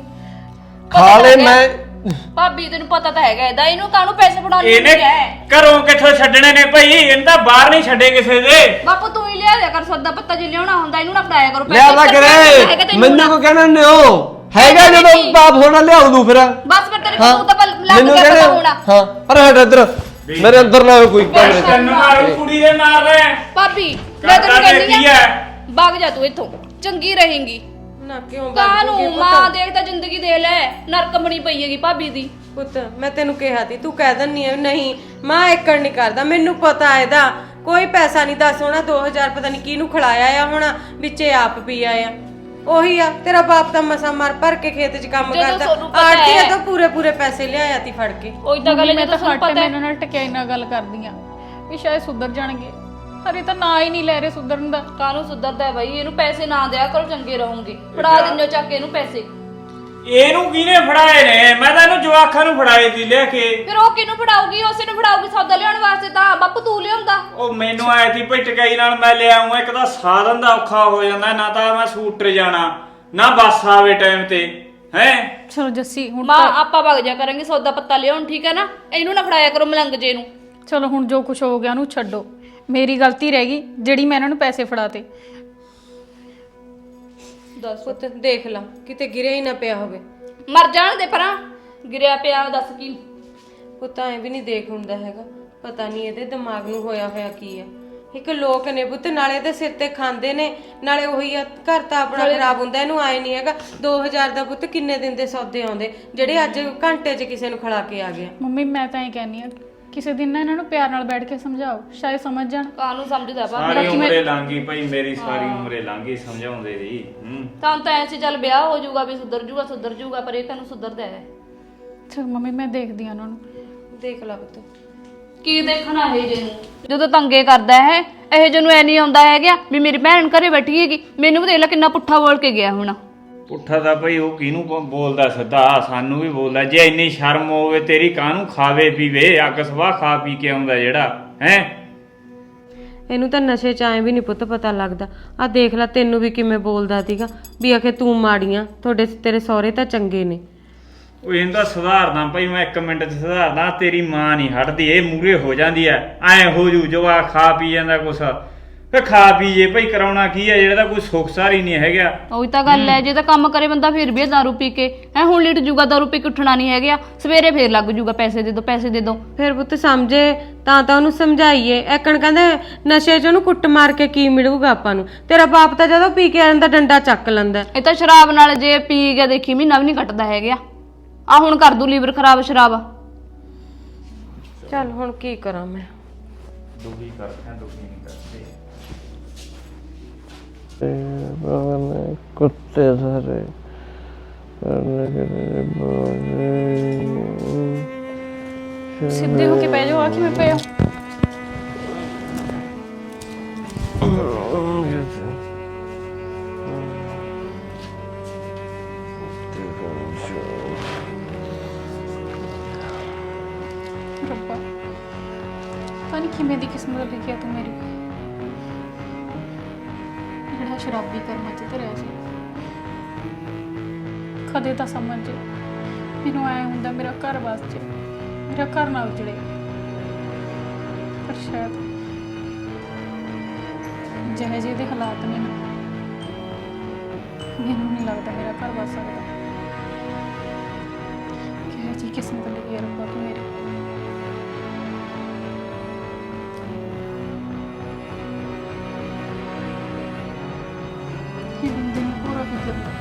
Speaker 2: ਖਾ ਲੈ ਮੈਂ
Speaker 3: ਭਾਬੀ ਤੈਨੂੰ ਪਤਾ ਤਾਂ ਹੈਗਾ ਇਹਦਾ ਇਹਨੂੰ ਕਾਹਨੂੰ ਪੈਸੇ ਫੜਾਉਣੇ
Speaker 5: ਇਹਨੇ
Speaker 3: ਹੁੰਦੇ ਐ
Speaker 5: ਘਰੋਂ ਕਿੱਥੋਂ ਛੱਡਣੇ ਨੇ ਭਾਈ ਇਹਨੂੰ ਤਾਂ ਬਾਹਰ ਨਹੀਂ ਛੱਡੇ ਕਿਸੇ ਦੇ
Speaker 3: ਬਾਪੂ ਤੂੰ ਹੀ ਲਿਆ ਦਿਆ ਕਰ ਸੌਦਾ ਪੱਤਾ ਜੇ ਲਿਆਉਣਾ ਹੁੰਦਾ ਇਹਨੂੰ ਨਾ ਫੜਾਇਆ ਕਰੋ
Speaker 2: ਲਿਆ ਦਾ ਕਰੇ ਮੈਨੂੰ ਕੋ ਕਹਿਣਾ ਨੇ ਉਹ ਹੈਗਾ ਜਦੋਂ ਬਾਪ ਹੋਣਾ ਲਿਆਉ ਦੂ ਫਿਰ
Speaker 3: ਬਸ ਫਿਰ ਤੇਰੇ ਕੋਲ ਤਾਂ ਲੱਗ
Speaker 2: ਮੈਨੂੰ
Speaker 3: ਗਿਆ
Speaker 2: ਕਹਿਣਾ
Speaker 3: ਪਤਾ ਹੋਣਾ
Speaker 2: ਹਾਂ ਪਰ ਹਟ ਇੱਧਰ ਮੇਰੇ ਅੰਦਰ ਨਾ ਆਵੇ ਕੋਈ ਕਮਰੇ ਚ
Speaker 5: ਤੈਨੂੰ ਮਾਰੂ ਕੁੜੀ ਦੇ ਮਾਰ ਲੈ
Speaker 3: ਭਾਬੀ ਮੈਂ ਤੈਨੂੰ
Speaker 5: ਕਰਦਾ
Speaker 3: ਕਹਿੰਦੀ
Speaker 5: ਕੀ
Speaker 3: ਆ
Speaker 5: ਹੈ
Speaker 3: ਭੱਗ ਜਾ ਤੂੰ ਇੱਥੋਂ ਚੰਗੀ ਰਹੇਂਗੀ
Speaker 4: ਨਾ ਕਿਉਂ
Speaker 3: ਕਾਹਨੂੰ ਮਾਂ ਦੇਖ ਤਾਂ ਜ਼ਿੰਦਗੀ ਦੇ ਲੈ ਨਰਕ ਬਣੀ ਪਈ ਹੈਗੀ ਭਾਬੀ ਦੀ
Speaker 4: ਪੁੱਤ ਮੈਂ ਤੈਨੂੰ ਕਿਹਾ ਸੀ ਤੂੰ ਕਹਿ ਦਿੰਨੀ ਐ ਨਹੀਂ ਮਾਂ ਏਕੜ ਨਹੀਂ ਕਰਦਾ ਮੈਨੂੰ ਪਤਾ ਇਹਦਾ ਕੋਈ ਪੈਸਾ ਨਹੀਂ ਦੱਸ ਹੋਣਾ 2000 ਪਤਾ ਨਹੀਂ ਕਿਹਨੂੰ ਖਿਲਾਇਆ ਆ ਹੁਣ ਵਿੱਚੇ ਆਪ ਪੀ ਆਇਆ ਉਹੀ ਆ ਤੇਰਾ ਬਾਪ ਤਾਂ ਮਸਾ ਮਰ ਭਰ ਕੇ ਖੇਤ 'ਚ ਕੰਮ
Speaker 3: ਜਦੋਂ
Speaker 4: ਕਰਦਾ
Speaker 3: ਤੁਹਾਨੂੰ ਪਤਾ
Speaker 4: ਆੜਤੀਆ
Speaker 3: ਹੈ।
Speaker 4: ਤਾਂ ਪੂਰੇ ਪੈਸੇ ਲਿਆਇਆ ਤੀ ਫੜ ਕੇ
Speaker 3: ਉਹੀ ਤਾਂ ਗੱਲ
Speaker 1: ਮੈਂ
Speaker 3: ਜਦੋਂ
Speaker 1: ਤਾਂ
Speaker 3: ਤੁਹਾਨੂੰ
Speaker 1: ਹੱਟ
Speaker 3: ਪਤਾ ਹੈ
Speaker 1: ਮੈਨੂੰ ਨਾਲ ਟਕਿਆਈ ਨਾਲ ਗੱਲ ਕਰਦੀਆਂ ਵੀ ਸ਼ਾਇਦ ਸੁਧਰ ਜਾਣਗੇ ਹਰੇ ਤਾਂ ਨਾ ਹੀ ਨਹੀਂ ਲੈ ਰਹੇ ਸੁਧਰਨ ਦਾ
Speaker 3: ਕਾਹਨੂੰ ਸੁਧਰਦਾ ਹੈ ਬਾਈ ਇਹਨੂੰ ਪੈਸੇ ਨਾ ਦਿਆ ਕਰੋ ਚੰਗੇ ਰਹੋਗੇ ਫੜਾ ਦਿੰਦੇ ਹੋ ਚੱਕ ਕੇ ਇਹਨੂੰ ਪੈਸੇ
Speaker 5: ਇਹਨੂੰ ਕਿਹਨੇ ਫੜਾਏ ਨੇ ਮੈਂ ਤਾਂ ਇਹਨੂੰ ਜਵਾਖਾਂ ਨੂੰ ਫੜਾਏ ਸੀ ਲੈ ਕੇ
Speaker 3: ਫਿਰ ਉਹ ਕਿਹਨੂੰ ਫੜਾਊਗੀ ਉਸੇ ਨੂੰ ਫੜਾਊਗੀ ਸੌਦਾ ਲਿਆਉਣ ਵਾਸਤੇ ਤਾਂ ਬਾਪੂ ਤੂੰ ਲਿਆਉਂਦਾ
Speaker 5: ਉਹ ਮੈਨੂੰ ਆਏ ਸੀ ਭਈ ਟਕਾਈ ਨਾਲ ਮੈਂ ਲੈ ਆਉਂਗਾ ਇੱਕ ਤਾਂ ਸਾਧਨ ਦਾ ਔਖਾ ਹੋ ਜਾਂਦਾ ਨਾ ਤਾਂ ਮੈਂ ਸਕੂਟਰ ਜਾਣਾ ਨਾ ਬੱਸ ਆਵੇ ਟਾਈਮ ਤੇ ਹੈ
Speaker 1: ਚਲੋ ਜੱਸੀ ਹੁਣ
Speaker 3: ਮਾਂ ਆਪਾਂ ਵਗ ਜਾ ਕਰਾਂਗੇ ਸੌਦਾ ਪੱਤਾ ਲਿਆਉਣ ਠੀਕ ਹੈ ਨਾ ਇਹਨੂੰ ਨਾ ਫੜਾਇਆ ਕਰੋ ਮਲੰਗ ਜੇ ਨੂੰ
Speaker 1: ਚਲੋ ਹੁਣ ਜੋ ਕੁਝ ਹੋ ਗਿਆ ਉਹਨੂੰ ਛੱਡੋ ਮੇਰੀ ਗਲਤੀ ਰਹਿ ਗਈ ਜਿਹੜੀ ਮੈਂ ਇਹਨਾਂ ਨੂੰ ਪੈਸੇ ਫੜਾਤੇ
Speaker 3: ਦੱਸ
Speaker 4: ਪੁੱਤ ਦੇਖ ਲਾ ਕਿਤੇ ਗਿਰਿਆ ਹੀ ਨਾ ਪਿਆ ਹੋਵੇ
Speaker 3: ਮਰ ਜਾਣ ਦੇ ਪਰਾਂ ਗਿਰਿਆ ਪਿਆ ਦੱਸ ਕੀ
Speaker 4: ਪੁੱਤ ਐ ਵੀ ਨਹੀਂ ਦੇਖ ਹੁੰਦਾ ਹੈਗਾ ਪਤਾ ਨਹੀਂ ਇਹਦੇ ਦਿਮਾਗ ਨੂੰ ਹੋਇਆ ਕੀ ਆ ਇੱਕ ਲੋਕ ਨੇ ਪੁੱਤ ਨਾਲੇ ਦੇ ਸਿਰ ਤੇ ਖਾਂਦੇ ਨੇ ਨਾਲੇ ਉਹੀ ਆ ਘਰ ਤਾਂ ਆਪਣਾ ਖਰਾਬ ਹੁੰਦਾ ਇਹਨੂੰ ਆਏ ਨਹੀਂ ਹੈਗਾ 2000 ਦਾ ਪੁੱਤ ਕਿੰਨੇ ਦਿਨ ਦੇ ਸੌਦੇ ਆਉਂਦੇ ਜਿਹੜੇ ਅੱਜ ਘੰਟੇ 'ਚ ਕਿਸੇ ਨੂੰ ਖਿਲਾ ਕੇ ਆ ਗਿਆ
Speaker 1: ਮੰਮੀ ਮੈਂ ਤਾਂ ਇਹ ਕਹਿੰਨੀ ਆ ਕਿਸੇ ਦਿਨ ਨਾ ਇਹਨਾਂ ਨੂੰ ਪਿਆਰ ਨਾਲ ਬੈਠ ਕੇ ਸਮਝਾਓ ਸ਼ਾਇਦ ਸਮਝ ਜਾਣ
Speaker 3: ਕਾਹਨੂੰ ਸਮਝਦਾ ਪਾ
Speaker 5: ਸਾਰੀ ਉਮਰੇ ਲੰਘੀ ਭਾਈ ਮੇਰੀ ਸਾਰੀ ਉਮਰੇ ਲੰਘੀ ਸਮਝਾਉਂਦੇ ਰਹੀ
Speaker 3: ਤਾਂ ਐਸੀ ਚੱਲ ਵਿਆਹ ਹੋ ਜਾਊਗਾ ਵੀ ਸੁਧਰ ਜਾਊਗਾ ਪਰ ਇਹ ਤੈਨੂੰ ਸੁਧਰਦਾ ਹੈ
Speaker 1: ਚਲ ਮੰਮੀ ਮੈਂ ਦੇਖਦੀ ਆ ਉਹਨਾਂ ਨੂੰ
Speaker 4: ਦੇਖ ਲਾ ਪੁੱਤ
Speaker 3: ਕੀ ਦੇਖਣਾ ਇਹ ਜੇ ਨੂੰ ਜਦੋਂ ਤੰਗੇ ਕਰਦਾ ਹੈ ਇਹ ਜੇ ਨੂੰ ਐ ਨਹੀਂ ਆਉਂਦਾ ਹੈਗਾ ਵੀ ਮੇਰੀ ਭੈਣ ਘਰੇ ਬੈਠੀ ਹੈਗੀ ਮੈਨੂੰ ਵੀ ਦੇਖ ਲੈ ਕਿੰਨਾ ਪੁੱਠਾ ਬੋਲ ਕੇ ਗਿਆ ਹੁਣ
Speaker 5: ਪੁੱਠਾ ਤਾਂ ਭਾਈ ਉਹ ਕਿਹਨੂੰ ਬੋਲਦਾ ਸਿੱਧਾ ਸਾਨੂੰ ਵੀ ਬੋਲਦਾ ਜੇ ਇੰਨੀ ਸ਼ਰਮ ਹੋਵੇ ਤੇਰੀ ਕਾਹਨੂੰ ਖਾਵੇ ਪੀਵੇ ਅੱਗ ਸਵਾਹ ਖਾ ਪੀ ਕੇ ਆਉਂਦਾ ਜਿਹੜਾ ਹੈ
Speaker 4: ਇਹਨੂੰ ਤਾਂ ਨਸ਼ੇ 'ਚ ਐਂ ਵੀ ਨਹੀਂ ਪੁੱਤ ਪਤਾ ਲੱਗਦਾ ਆ ਦੇਖ ਲੈ ਤੈਨੂੰ ਵੀ ਕਿਵੇਂ ਬੋਲਦਾ ਸੀਗਾ ਵੀ ਆਖੇ ਤੂੰ ਮਾੜੀਆਂ ਤੇਰੇ ਸਹੁਰੇ ਤਾਂ ਚੰਗੇ ਨੇ
Speaker 5: ਉਹ ਇਹਨੂੰ ਤਾਂ ਸੁਧਾਰਦਾ ਭਾਈ ਮੈਂ 1 ਮਿੰਟ 'ਚ ਸੁਧਾਰਦਾ ਤੇਰੀ ਮਾਂ ਨਹੀਂ ਹਟਦੀ ਇਹ ਮੂਰੇ ਹੋ ਜਾਂਦੀ ਐ ਐ ਹੋ ਜੂ ਜਵਾ ਖਾ ਪੀ ਜਾਂਦਾ ਕੁਛ ਫੇ ਖਾ ਪੀ ਜੇ ਭਾਈ ਕਰਾਉਣਾ ਕੀ ਹੈ ਜਿਹੜਾ ਤਾਂ ਕੋਈ ਸੁੱਖ ਸਾਰੀ ਨਹੀਂ ਹੈਗਾ
Speaker 3: ਉਹੀ ਤਾਂ ਗੱਲ ਹੈ ਜੇ ਤਾਂ ਕੰਮ ਕਰੇ ਬੰਦਾ ਫਿਰ ਵੀ ਦਾਰੂ ਪੀ ਕੇ ਹੈ ਹੁਣ ਲਿਟ ਜੂਗਾ ਦਾਰੂ ਪੀ ਕੇ ਉੱਠਣਾ ਨਹੀਂ ਹੈਗਾ ਸਵੇਰੇ ਫੇਰ ਲੱਗ ਜੂਗਾ ਪੈਸੇ ਦੇ ਦੋ
Speaker 4: ਫਿਰ ਪੁੱਤ ਸਮਝੇ ਤਾਂ ਉਹਨੂੰ ਸਮਝਾਈਏ ਐਕਣ ਕਹਿੰਦੇ ਨਸ਼ੇ 'ਚ ਉਹਨੂੰ ਕੁੱਟ ਮਾਰ ਕੇ ਕੀ ਮਿਲੂਗਾ ਆਪਾਂ ਨੂੰ ਤੇਰਾ ਬਾਪ ਤਾਂ ਜਦੋਂ ਪੀ ਕੇ ਆ ਜਾਂਦਾ ਡੰਡਾ ਚੱਕ ਲੈਂਦਾ
Speaker 3: ਇਹ ਤਾਂ ਸ਼ਰਾਬ ਨਾਲ ਜੇ ਪੀ ਗਿਆ ਦੇਖੀ ਮਹੀਨਾ ਵੀ ਨਹੀਂ ਕੱਟਦਾ ਹੈਗਾ ਆ ਹੁਣ ਕਰ ਦੂ ਲੀਵਰ ਖਰਾਬ ਸ਼ਰਾਬ
Speaker 4: ਚੱਲ ਹੁਣ ਕੀ ਕਰਾਂ ਮੈਂ
Speaker 5: ਦੁਖੀ ਕਰਦਾ ਦੁਖੀ ਨਹੀਂ ਕਰਦੇ
Speaker 2: ਕੁੱਤੇ ਸਾਰੇ
Speaker 1: ਸਿੱਧੇ ਹੋ ਕੇ ਬਹਿ ਜਾਓ। ਆ ਕਿਵੇਂ ਪਏ ਹੋ? ਰੱਬਾ, ਪਤਾ ਨਹੀਂ ਕਿਵੇਂ ਦੀ ਕਿਸਮਤ ਲਿਖਿਆ ਤੂੰ ਮੇਰੀ। ਜਿਹੜਾ ਸ਼ਰਾਬੀ ਕਰਮਾਂ 'ਚ ਧਰਿਆ ਸੀ। ਕਦੇ ਤਾਂ ਸਮਝ ਮੈਨੂੰ ਐ ਹੁੰਦਾ ਮੇਰਾ ਘਰ ਵਸ ਜੇ, ਮੇਰਾ ਘਰ ਨਾ ਉਜੜੇ। ਪਰ ਸ਼ਾਇਦ ਜਿਹੇ ਜਿਹੇ ਦੇ ਹਾਲਾਤ ਨੇ ਨਾ, ਮੈਨੂੰ ਨਹੀਂ ਲੱਗਦਾ ਮੇਰਾ ਘਰ ਵਸ ਸਕਦਾ। ਕਿਹੋ ਜਿਹੀ ਕਿਸਮਤ ਲਿਖੀ ਹੈ ਰੱਬਾ ਤੂੰ ਮੇਰੀ। ਇਹ ਬੰਦੇ ਨੂੰ ਪੂਰਾ ਫਿਕਰ